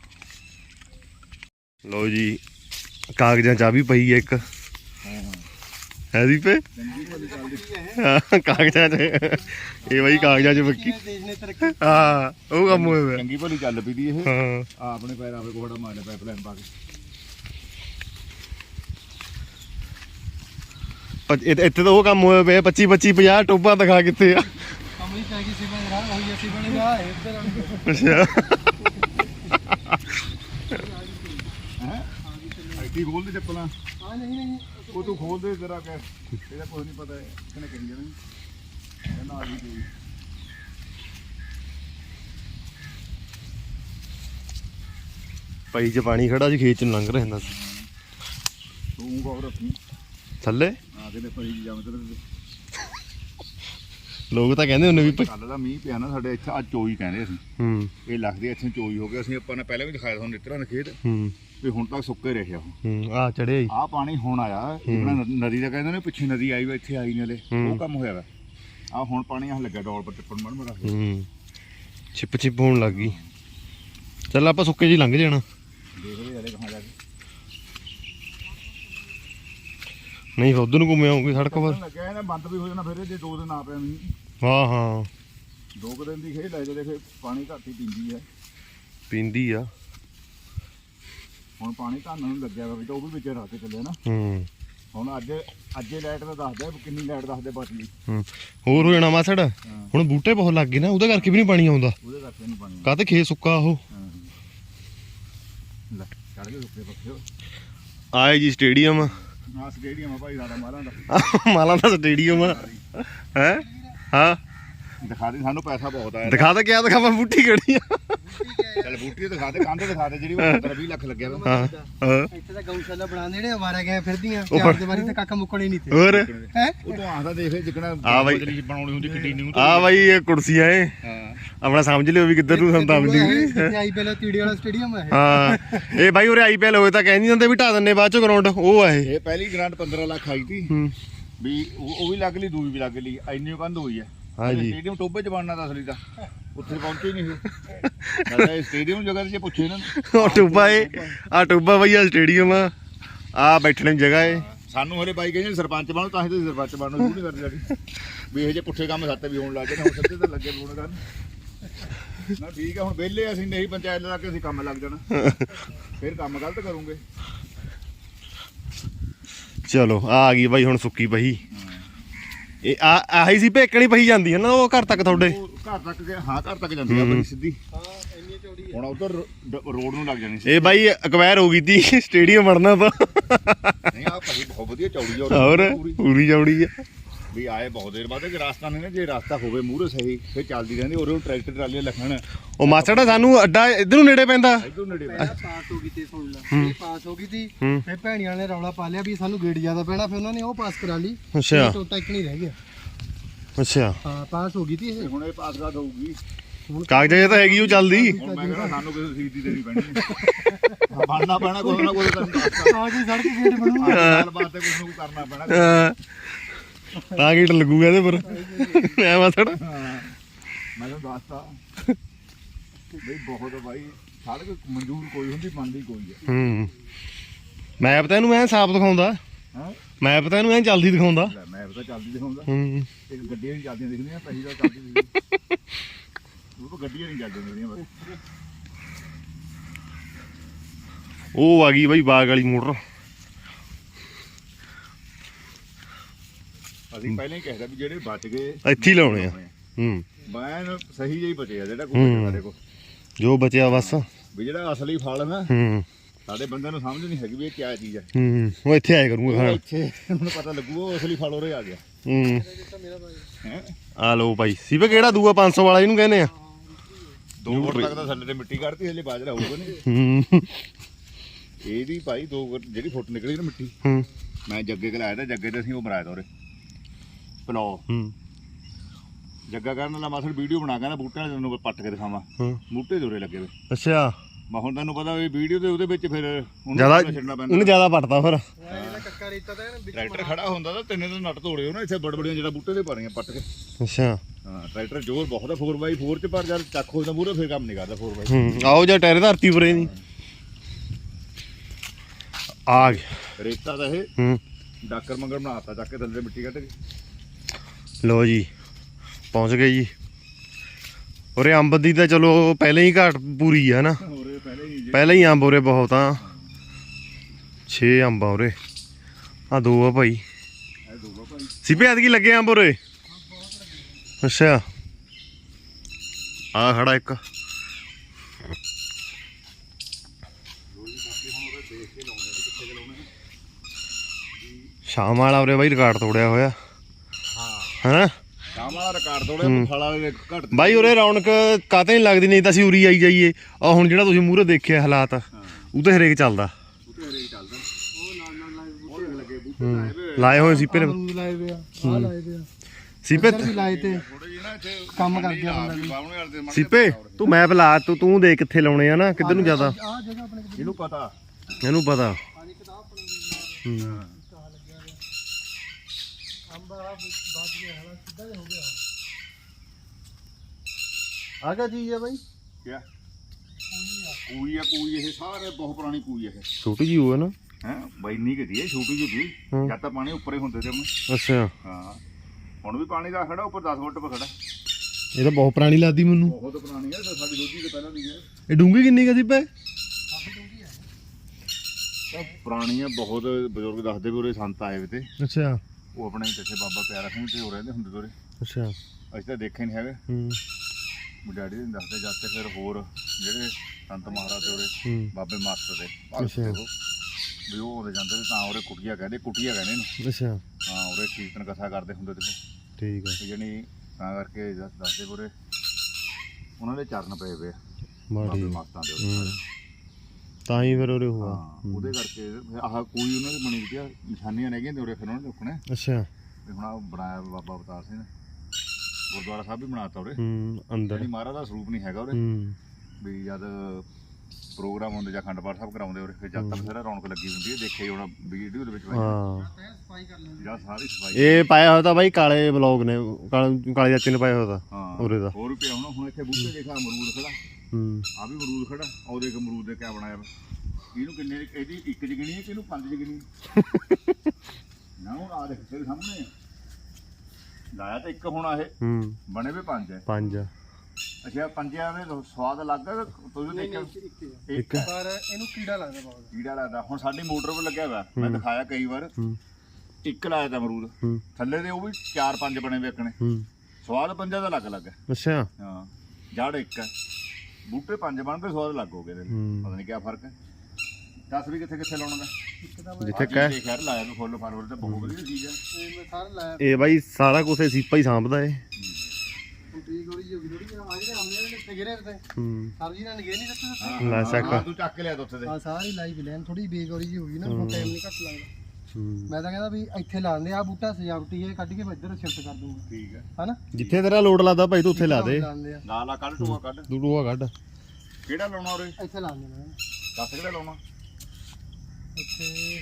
D: ਲਓ ਜੀ ਕਾਗਜ਼ਾਂ ਚ ਆ ਵੀ ਪਈ ਹੈ ਇੱਕ ਹੈ ਦੀਪੇ ਹਾਂ ਕਾਗਜ਼ਾਂ ਚ ਇਹ ਬਾਈ ਕਾਗਜ਼ਾਂ ਚ ਬੱਕੀ
C: ਦੇਸ਼ ਨੇ ਤਰੱਕੀ
D: ਹਾਂ ਉਹ ਕੰਮ ਹੋਇਆ ਹੋਇਆ।
A: ਚੰਗੀ ਭਲੀ ਚੱਲ ਪਈ ਦੀ ਇਹ
D: ਹਾਂ
A: ਆ ਆਪਣੇ ਪੈਰ ਆਪੇ ਕੋੜਾ ਮਾਰ ਲਿਆ ਪਾਈਪਲਾਈਨ ਪਾ ਕੇ
D: ਪ- ਇੱਥੇ ਇੱਥੇ ਤਾਂ ਉਹ ਕੰਮ ਹੋਇਆ ਪਿਆ ਪੱਚੀ ਪੱਚੀ ਪੰਜਾਹ ਟੋਬਾ ਦਿਖਾ ਕਿੱਥੇ ਆ
C: ਕਮਲੀ ਪੈ ਗਈ ਸੀ ਬਣ ਰਹਾ ਹੋਈ ਅਸੀਂ ਬਣ ਰਹਾ ਹੈ ਇੱਧਰ
D: ਅੱਛਾ
A: ਹੈ ਐਡੀ ਖੋਲ ਦੇ ਚੱਪਲਾਂ
C: ਹਾਂ ਨਹੀਂ ਨਹੀਂ
A: ਉਹ ਤੂੰ ਖੋਲ ਦੇ ਜਰਾ ਕਿ ਇਹਦਾ ਕੁਝ ਨਹੀਂ ਪਤਾ ਕਿਹਨੇ ਕਹੀ ਜਾਣਾ ਕਹਿੰਦਾ ਆ ਗਈ ਕੋਈ
D: ਪਈ ਚ ਪਾਣੀ ਖੜਾ ਜੀ ਖੇਤ ਚ ਨੂੰ ਲੰਘ ਰਿਹਾ ਸੀ
A: ਤੂੰ ਕਹੋ ਰੱਖੀ
D: ਥੱਲੇ
A: ਆ ਕੇ ਪਈ ਜਾਵੇਂ ਤੇ
D: ਲੋਕ ਤਾਂ ਕਹਿੰਦੇ ਹੁੰਦੇ ਵੀ ਪ-
A: ਕੱਲ ਦਾ ਮੀਂਹ ਪਿਆ ਨਾ ਸਾਡੇ ਇੱਥੇ ਅੱਜ ਚੋਈ ਕਹਿੰਦੇ ਅਸੀਂ
D: ਹੂੰ
A: ਇਹ ਲੱਗਦੀ ਇੱਥੇ ਚੋਈ ਹੋ ਗਿਆ ਅਸੀਂ ਆਪਾਂ ਨੇ ਪਹਿਲਾਂ ਵੀ ਦਿਖਾਇਆ ਤੁਹਾਨੂੰ ਨਿੱਤਰਾਂ ਦੇ ਖੇਤ
D: ਹੂੰ
A: ਵੀ ਹੁਣ ਤੱਕ ਸੁੱਕੇ ਰਹੇ ਆ ਉਹ
D: ਹੂੰ ਆ ਚੜਿਆ ਜੀ
A: ਆਹ ਪਾਣੀ ਹੁਣ ਆਇਆ ਜਿਹੜਾ ਨ- ਨਦੀ ਦਾ ਕਹਿੰਦੇ ਨੇ ਪਿੱਛੇ ਨਦੀ ਆਈ ਵਾ ਇੱਥੇ ਆਈ ਨਾਲੇ ਉਹ ਕੰਮ ਹੋਇਆ ਵਾ ਆ ਹੁਣ ਪਾਣੀ ਆ ਲੱਗਾ ਡੋਲ ਪਰ ਟਿੱਪਣ ਮੜ ਮੜਾ
D: ਹੂੰ ਛਿਪ ਛਿਪ ਹੋਣ ਲੱਗ ਗਈ ਚੱਲ ਆਪਾਂ ਸੁੱਕੇ ਜੀ ਲੰਘ ਜਾਣਾ
A: ਦੇਖਦੇ ਯਾਰੇ ਕਹਾਂ ਜਾ ਕੇ
D: ਨਹੀਂ ਉਧਰ ਨੂੰ ਘੁੰਮੇ ਆਉਂਗੇ ਸੜਕ ਪਰ
A: ਲੱਗਿਆ ਇਹਨੇ ਬੰਦ ਵੀ ਹੋ ਜਾਣਾ ਫਿਰ ਇਹ ਜੇ ਦੋ ਦਿਨ ਆ ਪਿਆ ਮੀਂਹ
D: ਹਾਂ ਹਾਂ
A: ਦੋ ਕੁ ਦਿਨ ਦੀ ਖੇਡ ਲੈ ਜਦੇ ਫਿਰ ਪਾਣੀ ਘੱਟ ਹੀ ਪੀਂਦੀ ਹੈ
D: ਪੀਂਦੀ ਆ
A: ਹੁਣ ਪਾਣੀ ਧਾਨਾਂ ਨੂੰ ਲੱਗਿਆ ਵਾ ਵੀ ਤਾਂ ਉਹ ਵੀ ਵਿੱਚ ਰੱਖ ਕੇ ਚੱਲਿਆ ਨਾ
D: ਹੂੰ
A: ਹੁਣ ਅੱਜ ਅੱਜੇ ਲਾਈਟ ਦਾ ਦੱਸਦਾ ਵੀ ਕਿੰਨੀ ਲਾਈਟ ਦੱਸਦੇ ਬਚ ਗਈ
D: ਹੂੰ ਹੋਰ ਹੋ ਜਾਣਾ ਮਾਸੜ ਹੁਣ ਬੂਟੇ ਬਹੁਤ ਲੱਗ ਗਏ ਨਾ ਉਹਦੇ ਕਰਕੇ ਵੀ ਨਹੀਂ ਪਾਣੀ ਆਉਂਦਾ
A: ਉਹਦੇ ਕਰਕੇ ਨਹੀਂ ਪਾਣੀ
D: ਕਾਹਤੇ ਖੇਤ ਸੁੱਕਾ ਉਹ
A: ਹਾਂ ਲੈ ਚੜ ਗਏ ਸੁੱਕੇ ਪੱਖੇ
D: ਆਏ ਜੀ ਸਟੇਡੀਅਮ
A: ਆ ਸਟੇਡੀਅਮ ਆ ਭਾਈ ਸਾਡਾ ਮਾਲਾਂ ਦਾ
D: ਮਾਲਾ ਦਾ ਸਟੇਡੀਅਮ ਹੈ ਹਾਂ
A: ਦਿਖਾ ਦੇ ਸਾਨੂੰ ਪੈਸਾ ਬਹੁਤ ਆਇਆ
D: ਦਿਖਾ ਤਾਂ ਕਿਆ ਦਿਖਾਵਾਂ ਬੂਟੀ ਕਿਹੜੀ ਆ
A: ਚੱਲ ਬੂਟੀ ਦਿਖਾ ਦੇ ਕੰਧ ਦਿਖਾ ਦੇ ਜਿਹੜੀ ਉਹ ਪੰਦਰਾਂ ਵੀਹ ਲੱਖ ਲੱਗਿਆ ਵਾ
D: ਹਾਂ ਹਾਂ
C: ਇੱਥੇ ਤਾਂ ਗਊਸ਼ਾਲਾ ਬਣਾ ਦੇਣੇ ਆਵਾਰਾ ਗਏ ਫਿਰਦੀਆਂ
D: ਉਹ
C: ਚਾਰ ਦੀਵਾਰੀ ਤੇ ਕੱਖ ਮੁੱਕਣੇ ਨਹੀਂ ਤੇ
D: ਹੋਰ
C: ਹੈ
A: ਉਹ ਤੋਂ ਆਖਦਾ ਦੇਖ ਜਿਕਣਾ
D: ਆ ਬਾਈ।
A: ਜਿਹੜੀ ਬਣਾਉਣੀ ਹੁੰਦੀ ਕਿੱਡੀ ਨਿਊ
D: ਆ ਬਾਈ ਇਹ ਕੁਰਸੀਆਂ ਏ
A: ਹਾਂ
D: ਆਪਣਾ ਸਮਝ ਲਿਓ ਵੀ ਕਿੱਧਰ ਨੂੰ ਸੰਤਾ ਆਉਂਦੀ
C: ਇੱਥੇ ਆਈਪੀਐਲ ਤੀੜੀ ਵਾਲਾ ਸਟੇਡੀਅਮ ਹੈ
D: ਹਾਂ ਇਹ ਬਾਈ ਉਰੇ ਆਈਪੀਐਲ ਹੋਏ ਤਾਂ ਕਹਿੰਦੀ ਹੁੰਦੇ ਵੀ ਢਾ ਦਿੰਨੇ ਬਾਅਦ ਚ ਗਰਾਊਂਡ ਉਹ ਆ ਇਹ
A: ਇਹ ਪਹਿਲੀ ਗ੍ਰਾਂਟ ਪੰਦਰਾਂ ਲੱਖ ਆਈ ਸੀ
D: ਹੂੰ
A: ਵੀ ਉਹ ਉਹ ਵੀ ਲੱਗ ਲਈ ਦੂਜੀ ਵੀ ਲੱਗ ਲਈ ਇੰਨੀ ਕੰਧ ਹੋਈ ਹੈ
D: ਹਾਂਜੀ।
A: ਸਟੇਡੀਅਮ ਟੋਬੇ ਚ ਬਣਨਾ ਤਾਂ ਅਸਲੀ ਤਾਂ ਉੱਥੇ ਪਹੁੰਚੇ ਹੀ ਨਹੀਂ ਇਹ ਕਹਿੰਦਾ ਇਹ ਸਟੇਡੀਅਮ ਜਗ੍ਹਾ ਤੇ ਜੇ ਪੁੱਛੇ ਇਹਨਾਂ ਨੂੰ
D: ਉਹ ਟੂਬਾ ਏ ਆ ਟੂਬਾ ਬਾਈ ਆ ਸਟੇਡੀਅਮ ਆ ਆ ਬੈਠਣ ਦੀ ਜਗ੍ਹਾ ਏ
A: ਸਾਨੂੰ ਹਲੇ ਬਾਈ ਕਹਿੰਦੇ ਸਰਪੰਚ ਬਣੋ ਤਾਂ ਹੀ ਤੁਸੀਂ ਸਰਪੰਚ ਬਣੋ ਸ਼ੁਰੂ ਨਹੀਂ ਕਰਦੇ ਸਾਡੀ ਵੀ ਇਹ ਜੇ ਪੁੱਠੇ ਕੰਮ ਸਾਤੇ ਵੀ ਹੋਣ ਲੱਗ ਗਏ ਨਾ ਹੁਣ ਸੱਤੇ ਤਾਂ ਲੱਗੇ ਹੋਣ ਕਰਨ ਨਾ ਠੀਕ ਆ ਹੁਣ ਵਿਹਲੇ ਅਸੀਂ ਨਹੀਂ ਪੰਚਾਇਤ ਲਾ ਕੇ ਅਸੀਂ ਕੰਮ ਲੱਗ ਜਾਣਾ ਫਿਰ ਕੰਮ ਗਲਤ ਕਰੂੰਗੇ।
D: ਚਲੋ ਆ ਆ ਗਈ ਬਾਈ ਹੁਣ ਸੁੱਕੀ ਪਹੀ। ਇਹ ਆ ਆਹੀ ਸੀ ਭੇਕਣੀ ਪਹੀ ਜਾਂਦੀ ਹੈ ਨਾ ਉਹ ਘਰ ਤੱਕ ਤੁਹਾਡੇ?
A: ਉਹ ਘਰ ਤੱਕ ਗਿਆ ਹਾਂ ਘਰ ਤੱਕ ਜਾਂਦੀ ਆ ਬੜੀ ਸਿੱਧੀ।
C: ਹਾਂ ਇੰਨੀ ਚੌੜੀ
A: ਹੁਣ ਉਧਰ ਰੋਡ ਨੂੰ ਲੱਗ ਜਾਣੀ ਸੀ।
D: ਇਹ ਬਾਈ ਅਕਵਾਇਰ ਹੋ ਗਈ ਤੀ ਸਟੇਡੀਅਮ ਬਣਨਾ ਤਾਂ।
A: ਨਹੀਂ ਆ ਭਾਈ ਬਹੁਤ ਵਧੀਆ ਚੌੜੀ ਆ
D: ਹੋਰ
A: ਪੂਰੀ।
D: ਪੂਰੀ ਚੌੜੀ ਆ
A: ਵੀ ਆਏ ਬਹੁਤ ਦੇਰ ਬਾਅਦ। ਜੇ ਰਾਸਤਾ ਨਹੀਂ ਨਾ ਜੇ ਰਾਸਤਾ ਹੋਵੇ ਮੂਹਰੇ ਸਹੀ ਫਿਰ ਚੱਲਦੀ ਰਹਿੰਦੀ। ਉਰੇ ਟਰੈਕਟਰ ਟਰਾਲੀਆਂ ਲੱਖਣ
D: ਉਹ ਮਾਸੜਾ ਸਾਨੂੰ ਅੱਡਾ ਇੱਧਰ ਨੂੰ ਨੇੜੇ ਪੈਂਦਾ।
A: ਇੱਧਰ ਨੇੜੇ
C: ਪਹਿਲਾਂ ਪਾਸ ਹੋ ਗਈ ਤੇ ਸੁਣ ਲਾ ਇਹ ਪਾਸ ਹੋ ਗਈ ਤੀ
D: ਹੂੰ।
C: ਫਿਰ ਭੈਣੀਆਂ ਨੇ ਰੌਲਾ ਪਾ ਲਿਆ ਵੀ ਸਾਨੂੰ ਗੇਟ ਜ਼ਿਆਦਾ ਪੈਣਾ ਫਿਰ ਉਹਨਾਂ ਨੇ ਉਹ ਪਾਸ ਕਰਾ ਲਈ।
D: ਅੱਛਾ
C: ਟੋਟਾ ਇੱਕ ਨਹੀਂ ਰਹਿ ਗਿਆ।
D: ਅੱਛਾ
C: ਹਾਂ ਪਾਸ ਹੋ ਗਈ ਤੀ ਇਹ
A: ਹੁਣ ਇਹ ਪਾਸ ਕਰ ਹੋਊਗੀ।
C: ਹੁਣ
D: ਕਾਗਜ਼ਾਂ 'ਚ ਤਾਂ ਹੈਗੀ ਉਹ ਚੱਲਦੀ।
A: ਹੁਣ ਮੈਂ ਕਹਿੰਦਾ ਸਾਨੂੰ ਕਿਸੇ ਸੀਟ ਦੀ ਦੇਣੀ ਪੈਣੀ ਹੈ। ਬਣਨਾ ਪੈਣਾ ਕੋਈ ਨਾ ਕੋਈ ਤੈਨੂੰ ਦੱਸਦਾ।
C: ਆ ਗਈ ਸੜਕ ਗੇਟ ਬਣੂਗਾ।
A: ਗੱਲ ਬਾਤ ਤੇ ਕੁਝ ਨੂੰ ਕਰਨਾ ਪੈਣਾ।
D: ਹਾਂ ਤਾਂ ਗੇਟ ਲੱਗੂਗਾ ਇਹਦੇ ਪਰ ਐ ਮਾਸੜ।
A: ਹਾਂ ਮੈਂ ਤੁਹਾਨੂੰ ਦੱਸਤਾ ਬਈ ਬਹੁਤ ਬਾਈ ਸੜਕ ਮਨਜ਼ੂਰ ਕੋਈ ਹੁੰਦੀ ਬਣਦੀ ਕੋਈ ਹੈ।
D: ਹੂੰ ਮੈਪ ਤਾਂ ਇਹਨੂੰ ਐ ਸਾਫ ਦਿਖਾਉਂਦਾ।
A: ਹਾਂ
D: ਮੈਪ ਤਾਂ ਇਹਨੂੰ ਐ ਚੱਲਦੀ ਦਿਖਾਉਂਦਾ।
A: ਲੈ ਮੈਂ ਤਾਂ ਚੱਲਦੀ ਦਿਖਾਉਂਦਾ।
D: ਹੂੰ
A: ਇੱਕ ਗੱਡੀਆਂ ਨਹੀਂ ਚੱਲਦੀਆਂ ਦਿਖਦੀਆਂ ਪਹਿਲੀ ਤਾਂ ਚੱਲਦੀ ਦਿਖਦੀ। ਉਹ ਤਾਂ ਗੱਡੀਆਂ ਨਹੀਂ ਚੱਲਦੀਆਂ ਦਿਖਦੀਆਂ ਬਸ।
D: ਉਹ ਆ ਗਈ ਬਾਈ ਬਾਗ ਵਾਲੀ ਮੋਟਰ।
A: ਅਸੀਂ ਪਹਿਲਾਂ ਹੀ ਕਹਿਦਾ ਵੀ ਜਿਹੜੇ ਬਚ ਗਏ
D: ਇੱਥੇ ਹੀ ਲਾਉਣੇ ਆ। ਹੂੰ
A: ਬੈਨ ਸਹੀ ਜਿਹੀ ਬਚੇ ਆ ਜਿਹੜਾ
D: ਹੂੰ।
A: ਕੋਈ ਸਾਡੇ ਕੋਲ
D: ਜੋ ਬਚਿਆ ਬਸ।
A: ਵੀ ਜਿਹੜਾ ਅਸਲੀ ਫਲ ਨਾ
D: ਹੂੰ
A: ਸਾਡੇ ਬੰਦਿਆਂ ਨੂੰ ਸਮਝ ਨਹੀਂ ਹੈਗੀ ਵੀ ਇਹ ਕੀ ਚੀਜ਼ ਹੈ।
D: ਹੂੰ ਉਹ ਇੱਥੇ ਆਇਆ ਕਰੂੰਗਾ
A: ਉਹ
D: ਖਾਣ।
A: ਇੱਥੇ ਹੁਣ ਪਤਾ ਲੱਗੂ ਉਹ ਅਸਲੀ ਫਲ ਉਰੇ ਆ ਗਿਆ
D: ਹੂੰ
A: ਹੈ।
D: ਆ ਲਓ ਭਾਈ ਸੀਪੇ ਕਿਹੜਾ ਦੂਆ ਪੰਜ ਸੌ ਵਾਲਾ ਇਹਨੂੰ ਕਹਿੰਦੇ ਆ।
A: ਦੋ ਫੁੱਟ ਤੱਕ ਤਾਂ ਥੱਲੇ ਤੇ ਮਿੱਟੀ ਕੱਢਤੀ ਹਲੇ ਬਾਜਰਾ ਹੋਊਗਾ ਨਹੀਂ।
D: ਹੂੰ
A: ਇਹਦੀ ਭਾਈ ਦੋ ਫੁੱਟ ਜਿਹੜੀ ਫੁੱਟ ਨਿਕਲੀ ਨਾ ਮਿੱਟੀ
D: ਹੂੰ
A: ਮੈਂ ਜੱਗੇ ਕੋਲ ਆਇਆ ਤਾਂ ਜੱਗੇ ਤੇ ਅਸੀਂ ਉਹ ਮਰਾਇਆ ਤਾ ਉਰੇ ਪਲੋ।
D: ਹੂੰ
A: ਜੱਗਾ ਕਰਨ ਵਾਲਾ ਮਾਸੜ ਵੀਡੀਓ ਬਣਾ ਕੇ ਨਾ ਬੂਟਿਆਂ ਦੇ ਨੂੰ ਪੱਟ ਕੇ ਦਿਖਾਵਾਂ।
D: ਹੂੰ
A: ਬੂਟੇ ਦੋਰੇ ਲੱਗੇ ਵੇ
D: ਅੱਛਾ
A: ਮੈਂ ਹੁਣ ਤੁਹਾਨੂੰ ਪਤਾ ਵੀ ਵੀਡੀਓ ਦੇ ਉਹਦੇ ਵਿੱਚ ਫਿਰ ਉਹਨੂੰ
D: ਜਿਆਦਾ
A: ਛੱਡਣਾ ਪੈਂਦਾ।
D: ਉਹਨੇ ਜਿਆਦਾ ਪੱਟਦਾ ਫਿਰ।
C: ਇਹਦਾ ਕੱਕਾ ਰੇਤਾ ਤਾਂ ਵਿੱਚ
A: ਟਰੈਕਟਰ ਖੜਾ ਹੁੰਦਾ ਤਾਂ ਤਿੰਨੇ ਤੋਂ ਨੱਟ ਤੋੜੇ ਉਹਨਾਂ ਇੱਥੇ ਬੜ ਬੜੀਆਂ ਜਿਹੜਾ ਬੂਟੇ ਦੇ ਪਾਣੀਆਂ ਪੱਟ ਕੇ।
D: ਅੱਛਾ
A: ਹਾਂ ਟਰੈਕਟਰ ਜ਼ੋਰ ਬਹੁਤ ਹੈ ਫੋਰ ਬਾਈ ਫੋਰ ਚ ਪਰ ਜਦ ਚੱਕ ਹੋ ਜਾਂਦਾ ਮੂਹਰੇ ਫਿਰ ਕੰਮ ਨਹੀਂ ਕਰਦਾ ਫੋਰ ਬਾਈ।
D: ਹੂੰ ਆਓ ਜਾਂ ਟਾਇਰ ਧਰਤੀ ਪਰੇ ਨਹੀਂ ਆ ਗਿਆ।
A: ਰੇਤਾ ਤਾਂ ਇਹ
D: ਹੂੰ
A: ਡਾਕਰ ਮੰਗਰ ਬਣਾਤਾ ਚੱਕ ਕੇ ਥੱਲੇ ਮਿੱਟੀ ਕੱਢ ਕੇ।
D: ਲੋ ਜੀ ਪਹੁੰਚ ਗਏ ਜੀ। ਉਰੇ ਅੰਬ ਦੀ ਤਾਂ ਚਲੋ ਪਹਿਲਾਂ ਹੀ ਘਾਟ ਪੂਰੀ ਆ ਨਾ।
A: ਹੋਰ ਪਹਿਲੇ ਹੀ
D: ਪਹਿਲਾਂ ਹੀ ਅੰਬ ਉਰੇ ਬਹੁਤ ਆ। ਛੇ ਅੰਬ ਆ ਉਰੇ ਆ ਦੋ ਆ ਭਾਈ।
A: ਇਹ ਦੋਗਾ ਭਾਈ
D: ਸਿੱਪੇ ਐਤਕੀ ਲੱਗੇ ਅੰਬ ਉਰੇ। ਅੱਛਾ ਆ ਖੜਾ ਇੱਕ। ਸ਼ਾਮ ਵਾਲਾ ਉਰੇ ਬਾਈ ਰਿਕਾਰਡ ਤੋੜਿਆ ਹੋਇਆ।
A: ਹਾਂ
D: ਹਾਂ
A: ਸ਼ਾਮ ਵਾਲਾ ਰਿਕਾਰਡ ਤੋੜਿਆ ਫਲ ਵਾਲੇ ਘੱਟ
D: ਬਾਈ ਉਰੇ ਰੌਣਕ ਕਾਤੇ ਨਹੀਂ ਲੱਗਦੀ ਨਹੀਂ ਤਾਂ ਅਸੀਂ ਉਰੀ ਆਈ ਜਾਈਏ। ਆ ਹੁਣ ਜਿਹੜਾ ਤੁਸੀਂ ਮੂਹਰੇ ਦੇਖਿਆ ਹਾਲਾਤ ਉਹ ਤੇ ਹਰੇਕ ਚੱਲਦਾ।
A: ਬੂਟੇ ਹਰੇ ਚੱਲਦਾ
C: ਉਹ ਨਾਲ ਨਾਲ ਲਾਏ ਬੂਟੇ
A: ਉਹ ਲੱਗੇ ਬੂਟੇ ਲਾਏ ਵੇ
D: ਲਾਏ ਹੋਏ ਸੀਪੇ ਨੇ।
C: ਅਮਰੂਦ ਲਾਏ ਵੇ ਆ ਆਹ ਲਾਏ ਵੇ ਆ
D: ਸੀਪੇ
C: ਇੱਧਰ ਵੀ ਲਾਏ ਤੇ
A: ਥੋੜੇ ਜਿਹੇ ਨਾ ਇੱਥੇ
C: ਕੰਮ ਕਰ ਗਿਆ ਬੰਦਾ ਵੀ।
A: ਬਾਵਣੇ ਵਾਲੇ ਦੇ ਮਾੜੇ
D: ਸੀਪੇ ਤੂੰ ਮੈਪ ਲਾ ਤੂੰ ਤੂੰ ਦੇ ਕਿੱਥੇ ਲਾਉਣੇ ਆ ਨਾ ਕਿੱਧਰ ਨੂੰ ਜ਼ਿਆਦਾ
C: ਆਹ ਜਗ੍ਹਾ ਆਪਣੇ ਕੋਲ
A: ਇਹਨੂੰ ਪਤਾ
D: ਇਹਨੂੰ ਪਤਾ।
C: ਪਾਣੀ ਕਿਤਾਬ ਆਪਣੇ ਕੋਲ
D: ਹੂੰ
C: ਕਾ ਲੱਗਿਆ ਵੇ ਅੰਬ ਆ ਬਾਤ ਗਿਆ ਹਲਾ ਸਿੱਧਾ ਜਿਹਾ ਹੋ ਗਿਆ। ਆ ਕਾ ਚੀਜ਼ ਆ ਬਾਈ?
A: ਕਿਆ ਕੂਈ ਆ ਕੂਈ ਇਹ ਸਾਰੇ ਬਹੁਤ ਪੁਰਾਣੀ ਕੂਈ ਇਹ
D: ਛੋਟੀ ਜੀ ਹੋਵੇ ਨਾ।
A: ਹੈ ਬਾਈ ਨਹੀਂ ਕਿਦੀ ਇਹ ਛੋਟੀ ਜਿਹੀ ਸੀ
D: ਹੂੰ।
A: ਜਦ ਤਾਂ ਪਾਣੀ ਉੱਪਰੇ ਹੁੰਦੇ ਤੇ ਉਹਨੂੰ।
D: ਅੱਛਾ
A: ਹਾਂ ਹੁਣ ਵੀ ਪਾਣੀ ਦਾ ਖੜਾ ਉੱਪਰ ਦਸ ਫੁੱਟ ਪਰ ਖੜਾ
D: ਇਹ ਤਾਂ ਬਹੁਤ ਪੁਰਾਣੀ ਲੱਗਦੀ ਮੈਨੂੰ।
A: ਬਹੁਤ ਪੁਰਾਣੀ ਹੈ ਤਾਂ ਸਾਡੀ ਦੋਜੀ ਤੋਂ ਪਹਿਲਾਂ ਦੀ ਹੈ।
D: ਇਹ ਡੂੰਗੀ ਕਿੰਨੀ ਕਾ ਸੀਪੇ?
A: ਤਾਂ ਪੁਰਾਣੀ ਹੈ ਬਹੁਤ ਬਜ਼ੁਰਗ ਦੱਸਦੇ ਵੀ ਉਰੇ ਸੰਤ ਆਏ ਵੇ ਤੇ
D: ਅੱਛਾ
A: ਉਹ ਆਪਣੇ ਜਿੱਥੇ ਬਾਬਾ ਪਿਆਰਾ ਸਿੰਘ ਤੇ ਹੋ ਰਹਿੰਦੇ ਹੁੰਦੇ ਤੋਰੇ
D: ਅੱਛਾ
A: ਅਸੀਂ ਤਾਂ ਦੇਖੇ ਨਹੀਂ ਹੈਗੇ।
D: ਹੂੰ
A: ਡੈਡੀ ਨੇ ਦੱਸਦੇ ਜਦ ਤੇ ਫਿਰ ਹੋਰ ਜਿਹੜੇ ਸੰਤ ਮਹਾਰਾਜ ਤੇ ਉਰੇ
D: ਹੂੰ
A: ਬਾਬੇ ਮਾਸਟਰ ਦੇ ਭਗਤ
D: ਅੱਛਾ।
A: ਤੇ ਉਹ ਵੀ ਉਹ ਉਹਦੇ ਜਾਂਦੇ ਵੀ ਤਾਂ ਉਰੇ ਕੁਟੀਆ ਕਹਿੰਦੇ ਕੁਟੀਆ ਕਹਿੰਦੇ ਇਹਨੂੰ।
D: ਅੱਛਾ
A: ਹਾਂ ਉਰੇ ਕੀਰਤਨ ਕਥਾ ਕਰਦੇ ਹੁੰਦੇ ਤੇ
D: ਠੀਕ ਆ
A: ਤੇ ਜਾਣੀ ਤਾਂ ਕਰਕੇ ਦੱਸ- ਦੱਸਦੇ ਪੂਰੇ ਉਹਨਾਂ ਦੇ ਚਰਨ ਪਏ ਵੇ ਆ
D: ਬਾ
A: ਬਾਬੇ
D: ਠੀਕ।
A: ਮਾਸਟਰਾਂ ਦੇ
D: ਹੂੰ
A: ਉੱਤੇ।
D: ਤਾਂ ਹੀ ਫਿਰ ਉਰੇ ਹੋਆ।
A: ਹਾਂ ਉਹਦੇ ਕਰਕੇ ਫਿਰ ਆਹ ਕੋਈ ਉਹਨਾਂ ਦੀ ਬਣੀ ਦੀ ਨਿਸ਼ਾਨੀਆਂ ਰਹਿ ਗਈਆਂ ਤੇ ਉਰੇ ਫਿਰ ਉਹਨਾਂ ਨੇ ਚੁੱਕਣੇ
D: ਅੱਛਾ
A: ਵੀ ਹੁਣ ਆਹ ਬਣਾਇਆ ਬਾਬਾ ਅਵਤਾਰ ਸਿੰਘ ਨੇ ਗੁਰਦੁਆਰਾ ਸਾਹਿਬ ਵੀ ਬਣਾਤਾ ਉਰੇ।
D: ਹੂੰ ਅੰਦਰ
A: ਜਿਹੜੀ ਮਹਾਰਾਜ ਦਾ ਸਰੂਪ ਨਹੀਂ ਹੈਗਾ ਉਰੇ
D: ਹੂੰ
A: ਵੀ ਜਦ ਪ੍ਰੋਗਰਾਮ ਹੁੰਦੇ ਜਾਂ ਅਖੰਡ ਪਾਠ ਸਾਹਿਬ ਕਰਾਉਂਦੇ ਉਰੇ ਫਿਰ ਜਦ ਤੱਕ ਸਾਰਾ ਰੌਣਕ ਲੱਗੀ ਹੁੰਦੀ ਹੈ। ਦੇਖਿਆ ਹੀ ਹੋਣਾ ਵੀਡੀਓ ਦੇ ਵਿੱਚ ਭਾਈ
D: ਹਾਂ
C: ਸਫਾਈ ਕਰ ਲੈਂਦੇ
A: ਜਾਂ ਸਾਰੀ ਸਫਾਈ।
D: ਇਹ ਪਾਇਆ ਹੋਇਆ ਤਾਂ ਬਾਈ ਕਾਲੇ ਬਲੌਗ ਨੇ ਕਾਲੇ ਕਾਲੇ ਚਾਚੇ ਨੇ ਪਾਇਆ ਹੋਇਆ ਤਾਂ
A: ਹਾਂ
D: ਉਰੇ ਦਾ।
A: ਹੋਰ ਵੀ ਪਿਆ ਹੁਣ ਹੁਣ ਇੱਥੇ ਬੂਟੇ ਦੇਖਾ ਅਮਰੂਦ ਖੜਾ
D: ਹੂੰ
A: ਆ ਵੀ ਅਮਰੂਦ ਖੜਾ ਉਹਦੇ ਇੱਕ ਅਮਰੂਦ ਦੇ ਕਿਆ ਬਣਾਇਆ ਵਾ। ਇਹਨੂੰ ਕਿੰਨੇ ਇਹਦੀ ਇੱਕ ਜਗਣੀ ਹੈ ਕਿ ਇਹਨੂੰ ਪੰਜ ਜਗਣੀ ਨਾ ਹੁਣ ਆ ਦੇਖ ਤੇਰੇ ਸਾਹਮਣੇ ਲਾਇਆ ਤਾਂ ਇੱਕ ਹੁਣ ਇਹ
D: ਹੂੰ
A: ਬਣੇ ਵੀ ਪੰਜ ਹੈ।
D: ਪੰਜ ਆ।
A: ਅੱਛਾ ਪੰਜਿਆਂ ਦੇ ਸਵਾਦ ਅਲੱਗ ਆ ਤੁਸੀਂ
C: ਨਹੀਂ
A: ਦੇਖਿਆ
C: ਨਹੀਂ ਇੱਕ ਹੀ ਆ।
D: ਇੱਕ
C: ਪਰ ਇਹਨੂੰ ਕੀੜਾ ਲੱਗਦਾ ਬਹੁਤ
A: ਕੀੜਾ ਲੱਗਦਾ ਹੁਣ ਸਾਡੀ ਮੋਟਰ 'ਤੇ ਲੱਗਿਆ ਹੋਇਆ ਮੈਂ ਦਿਖਾਇਆ ਕਈ ਵਾਰ
D: ਹੂੰ
A: ਇੱਕ ਲਾਇਆ ਤਾਂ ਅਮਰੂਦ
D: ਹੂੰ
A: ਥੱਲੇ ਦੇ ਉਹ ਵੀ ਚਾਰ ਪੰਜ ਬਣੇ ਵੇਖਣੇ
D: ਹੂੰ
A: ਸਵਾਦ ਪੰਜਾਂ ਦਾ ਅਲੱਗ ਅਲੱਗ ਹੈ
D: ਅੱਛਾ
A: ਹਾਂ ਜੜ ਇੱਕ ਹੈ ਬੂਟੇ ਪੰਜ ਬਣਦੇ ਸਵਾਦ ਅਲੱਗ ਹੋ ਗਏ ਇਹਦੇ
D: ਹੂੰ।
A: ਪਤਾ ਨਹੀਂ ਕੀ ਫਰਕ ਹੈ ਦੱਸ ਵੀ ਕਿੱਥੇ ਕਿੱਥੇ ਲਾਉਣਾ ਦਾ
C: ਇੱਕ ਤਾਂ
D: ਜਿੱਥੇ ਕਹਿ
A: ਖੈਰ ਲਾਇਆ ਨੂੰ ਫੁੱਲ ਫਾਰਵਰਡ ਤੇ ਬਹੁਤ ਵਧੀਆ ਚੀਜ਼ ਹੈ
C: ਮੈਂ ਮੈਂ ਸਾਰਾ ਲਾਇਆ
D: ਇਹ ਬਾਈ ਸਾਰਾ ਕੁਛ ਇਹ ਸੀਪਾ ਹੀ ਸਾਂਭਦਾ ਏ
C: ਹੁਣ ਠੀਕ ਹੋ ਰਹੀ ਹੋਗੀ ਥੋੜੀ ਜਿਹੀ ਆ ਜਿਹੜੇ ਆਮਲੇ ਦੇ ਉੱਤੇ ਗਿਰੇ ਤੇ
D: ਹੂੰ
C: ਸਬਜ਼ੀ ਨਾਲ ਨਗੇ ਨਹੀਂ ਦਿੱਤੇ
A: ਹਾਂ,
C: ਦਿੱਤੇ
D: ਲੈ ਸਕ
A: ਹਾਂ, ਤੂੰ ਚੱਕ ਕੇ ਲਿਆ ਤਾਂ ਉੱਥੇ ਦੇ
C: ਆ ਸਾਰੀ ਲਾਈ ਪਲਾਨ ਥੋੜੀ ਬੇਗੌਰੀ ਜੀ ਹੋ ਗਈ ਨਾ ਹੁਣ ਟਾਈਮ ਨਹੀਂ ਘੱਟ ਲੱਗਦਾ
D: ਹੂੰ
C: ਮੈਂ ਤਾਂ ਕਹਿੰਦਾ ਵੀ ਇੱਥੇ ਲਾ ਦਿੰਦੇ ਆ ਬੂਟਾ ਸਜਾਵਟੀ ਇਹ ਕੱਢ ਕੇ ਮੈਂ ਇੱਧਰ ਸ਼ਿਫਟ ਕਰ ਦੂੰਗਾ
A: ਠੀਕ ਹੈ
C: ਹਨਾ
D: ਜਿੱਥੇ ਤੇਰਾ ਲੋਡ ਲੱਗਦਾ ਭਾਈ ਤੂੰ ਉੱਥੇ ਲਾ ਦੇ
C: ਲਾ ਦਿੰਦੇ ਆ
A: ਲਾ ਲਾ ਕੱਢ ਟੂਆ ਕੱਢ
D: ਤੂੰ ਟੂਆ ਕੱਢ
A: ਕਿਹੜਾ ਲਾਉਣਾ ਉਰੇ
C: ਇੱਥੇ ਲਾ ਦਿੰਦੇ ਮੈਂ
A: ਦੱਸ ਕਿਹੜਾ ਲਾਉਣਾ
C: ਇੱਥੇ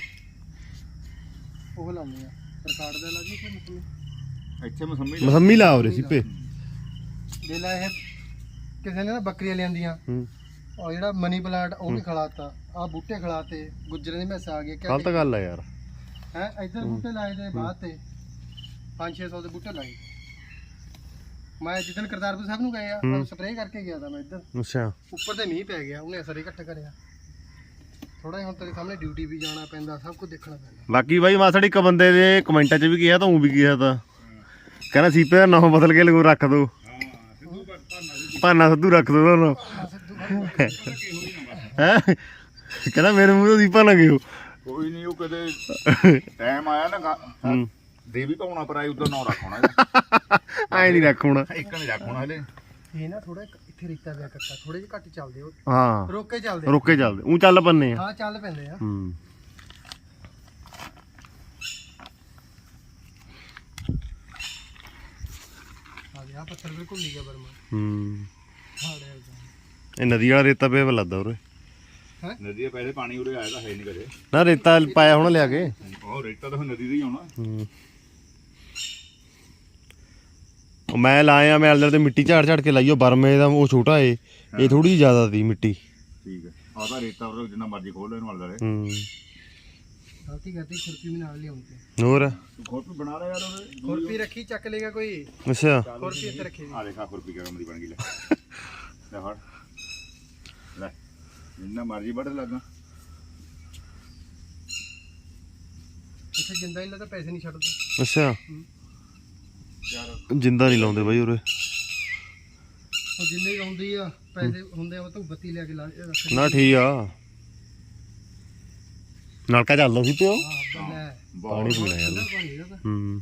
C: ਉਹ ਲਾਉਂਦੇ ਆ ਰਿਕਾਰਡ ਦਾ ਲਾ ਜੀ ਕਿ ਮਤਲਬ
A: ਇੱਥੇ ਮਸੰਮੀ ਲਾ।
D: ਮਸੰਮੀ ਲਾ ਉਰੇ ਸੀਪੇ
C: ਦੇ ਲਾ ਇਹ ਕਿਸੇ ਨੇ ਨਾ ਬੱਕਰੀਆਂ ਲਿਆਂਦੀਆਂ
D: ਹੂੰ
C: ਔਰ ਜਿਹੜਾ ਮਨੀ ਪਲਾਂਟ ਉਹ ਵੀ ਖਿਲਾਤਾ ਆ ਬੂਟੇ ਖਿਲਾਤੇ ਗੁੱਜਰਾਂ ਦੇ ਮੈਸ ਆ ਗਏ
D: ਗਲਤ ਗੱਲ ਆ ਯਾਰ
C: ਹੈ ਇੱਧਰ ਬੂਟੇ ਲਾਏ ਤੇ ਬਾਅਦ ਤੇ ਪੰਜ ਛੇ ਸੌ ਦੇ ਬੂਟੇ ਲਾਏ ਮੈਂ ਜਿੱਦਣ ਕਰਤਾਰਪੁਰ ਸਾਹਿਬ ਨੂੰ ਗਏ ਆ
D: ਹੂੰ।
C: ਸਪਰੇਅ ਕਰਕੇ ਗਿਆ ਤਾਂ ਮੈਂ ਇੱਧਰ
D: ਅੱਛਾ
C: ਉੱਪਰ ਤੇ ਮੀਂਹ ਪੈ ਗਿਆ ਉਹਨੇ ਅਸਰ ਹੀ ਘੱਟ ਕਰਿਆ ਥੋੜਾ ਜਿਹਾ ਹੁਣ ਤੇਰੇ ਸਾਹਮਣੇ ਡਿਊਟੀ ਵੀ ਜਾਣਾ ਪੈਂਦਾ ਸਭ ਕੁਝ ਦੇਖਣਾ ਪੈਂਦਾ
D: ਬਾਕੀ ਬਾਈ ਮਾਸੜ ਇੱਕ ਬੰਦੇ ਦੇ ਕਮੈਂਟਾਂ 'ਚ ਵੀ ਕਿਹਾ ਤਾਂ ਉਹ ਵੀ ਕਿਹਾ ਤਾਂ ਕਹਿੰਦਾ ਸੀਪੇ ਦਾ ਨਾਮ ਬਦਲ ਕੇ ਲਗੋ ਰੱਖ ਦੋ ਭਾਨਾ ਸਿੱਧੂ ਰੱਖ ਦੋ ਤੁਹਾਨੂੰ ਹੈ ਕਹਿੰਦਾ ਮੇਰੇ ਮੂੰਹ ਤੋਂ ਸੀਪਾ ਨਾ ਗਿਓ
A: ਕੋਈ ਨਹੀਂ ਉਹ ਕਦੇ ਟਾਈਮ ਆਇਆ ਨਾ ਗਾ- ਦੇਵੀ ਪਾਉਣਾ ਪਰ ਆਈ ਉਧਰ ਨਾ ਰੱਖਣਾ ਇਹਦਾ।
D: ਐ ਨਹੀਂ ਰੱਖਣਾ
A: ਇੱਕ ਨਹੀਂ ਰੱਖਣਾ ਹਲੇ
C: ਇਹ ਨਾ ਥੋੜਾ ਇੱਥੇ ਰੇਤਾ ਪਿਆ ਕੱਕਾ ਥੋੜੇ ਜਿਹਾ ਘੱਟ ਚੱਲਦੇ ਉਹ
D: ਹਾਂ
C: ਰੋਕ ਕੇ ਚੱਲਦੇ ਆ।
D: ਰੁਕੇ ਚੱਲਦੇ ਉਹ ਚੱਲ ਪੰਨੇ ਆ
C: ਹਾਂ ਚੱਲ ਪੈਂਦੇ ਆ
D: ਹੂੰ
C: ਆ ਗਿਆ ਪੱਥਰ ਬਿਲਕੁਲ ਨਹੀਂ ਗਿਆ ਬਰਮਾ
D: ਹੂੰ
C: ਹਾੜੇ
D: ਇਹ ਨਦੀ ਵਾਲਾ ਰੇਤਾ ਪਿਆ ਵਾ ਲੱਗਦਾ ਉਰੇ
A: ਨਦੀ ਦੇ ਪਹਿਲੇ ਪਾਣੀ ਉਰੇ ਆਇਆ ਤਾਂ ਹੈ ਨਹੀਂ ਕਦੇ
D: ਨਾ ਰੇਤਾ ਪਾਇਆ ਹੁਣ ਲਿਆ ਕੇ
A: ਉਹ ਰੇਤਾ ਤਾਂ ਫਿਰ ਨਦੀ ਦਾ ਹੀ ਆਉਣਾ
D: ਹੂੰ ਉਹ ਮੈਂ ਲਾਇਆ ਮੈਂ ਅਲਦਰ ਤੇ ਮਿੱਟੀ ਝਾੜ ਝਾੜ ਕੇ ਲਾਈਓ ਬਰਮੇ ਦਾ ਉਹ ਛੋਟਾ ਏ ਇਹ ਥੋੜੀ ਜ਼ਿਆਦਾ ਸੀ ਮਿੱਟੀ
A: ਠੀਕ ਹੈ ਆਹ ਤਾਂ ਰੇਤਾ ਉਹ ਜਿੰਨਾ ਮਰਜ਼ੀ ਖੋਲ ਲੈ ਇਹਨੂੰ ਵਾਲੇ
D: ਹੂੰ
C: ਗਲਤੀ ਕਰਤੀ ਖੁਰਪੀ ਵੀ ਨਾਲ ਲਿਆਉਂਦੇ
D: ਹੋਰ
A: ਤੂੰ ਖੁਰਪੀ ਬਣਾ ਲੈ ਯਾਰ ਉਹਦੇ
C: ਖੁਰਪੀ ਰੱਖੀ ਚੱਕ ਲੇਗਾ ਕੋਈ
D: ਅੱਛਾ
C: ਖੁਰਪੀ ਇੱਥੇ ਰੱਖੀ
A: ਆ ਦੇਖਾ ਖੁਰਪੀ ਕਿਵੇਂ ਦੀ ਬਣ ਗਈ ਲੈ ਲੈ ਫੜ ਲੈ ਜਿੰਨਾ ਮਰਜ਼ੀ ਵੱਢ ਲੱਗਾ
C: ਇੱਥੇ ਜਿੰਦਾ ਹੀ ਲਾ ਤਾਂ ਪੈਸੇ ਨਹੀਂ ਛੱਡਦੇ
D: ਅੱਛਾ
A: ਯਾਰ
D: ਜਿੰਦਾ ਨਹੀਂ ਲਾਉਂਦੇ ਬਾਈ ਉਰੇ
C: ਉਹ ਜਿੰਨੇ ਆਉਂਦੀ ਆ ਪੈਸੇ ਹੁੰਦੇ ਆ ਉਹ ਤੋਂ ਬੱਤੀ ਲਿਆ ਕੇ ਲਾ ਰੱਖ
D: ਨਾ ਠੀਕ ਆ ਨਲਕਾ ਚੱਲਦਾ ਸੀ ਪਿਓ
C: ਹਾਂ ਲੈ
D: ਪਾਣੀ ਪੀਣਾ ਯਾਰ
C: ਠੰਡਾ ਪਾਣੀ ਦਾ ਤਾਂ
D: ਹੂੰ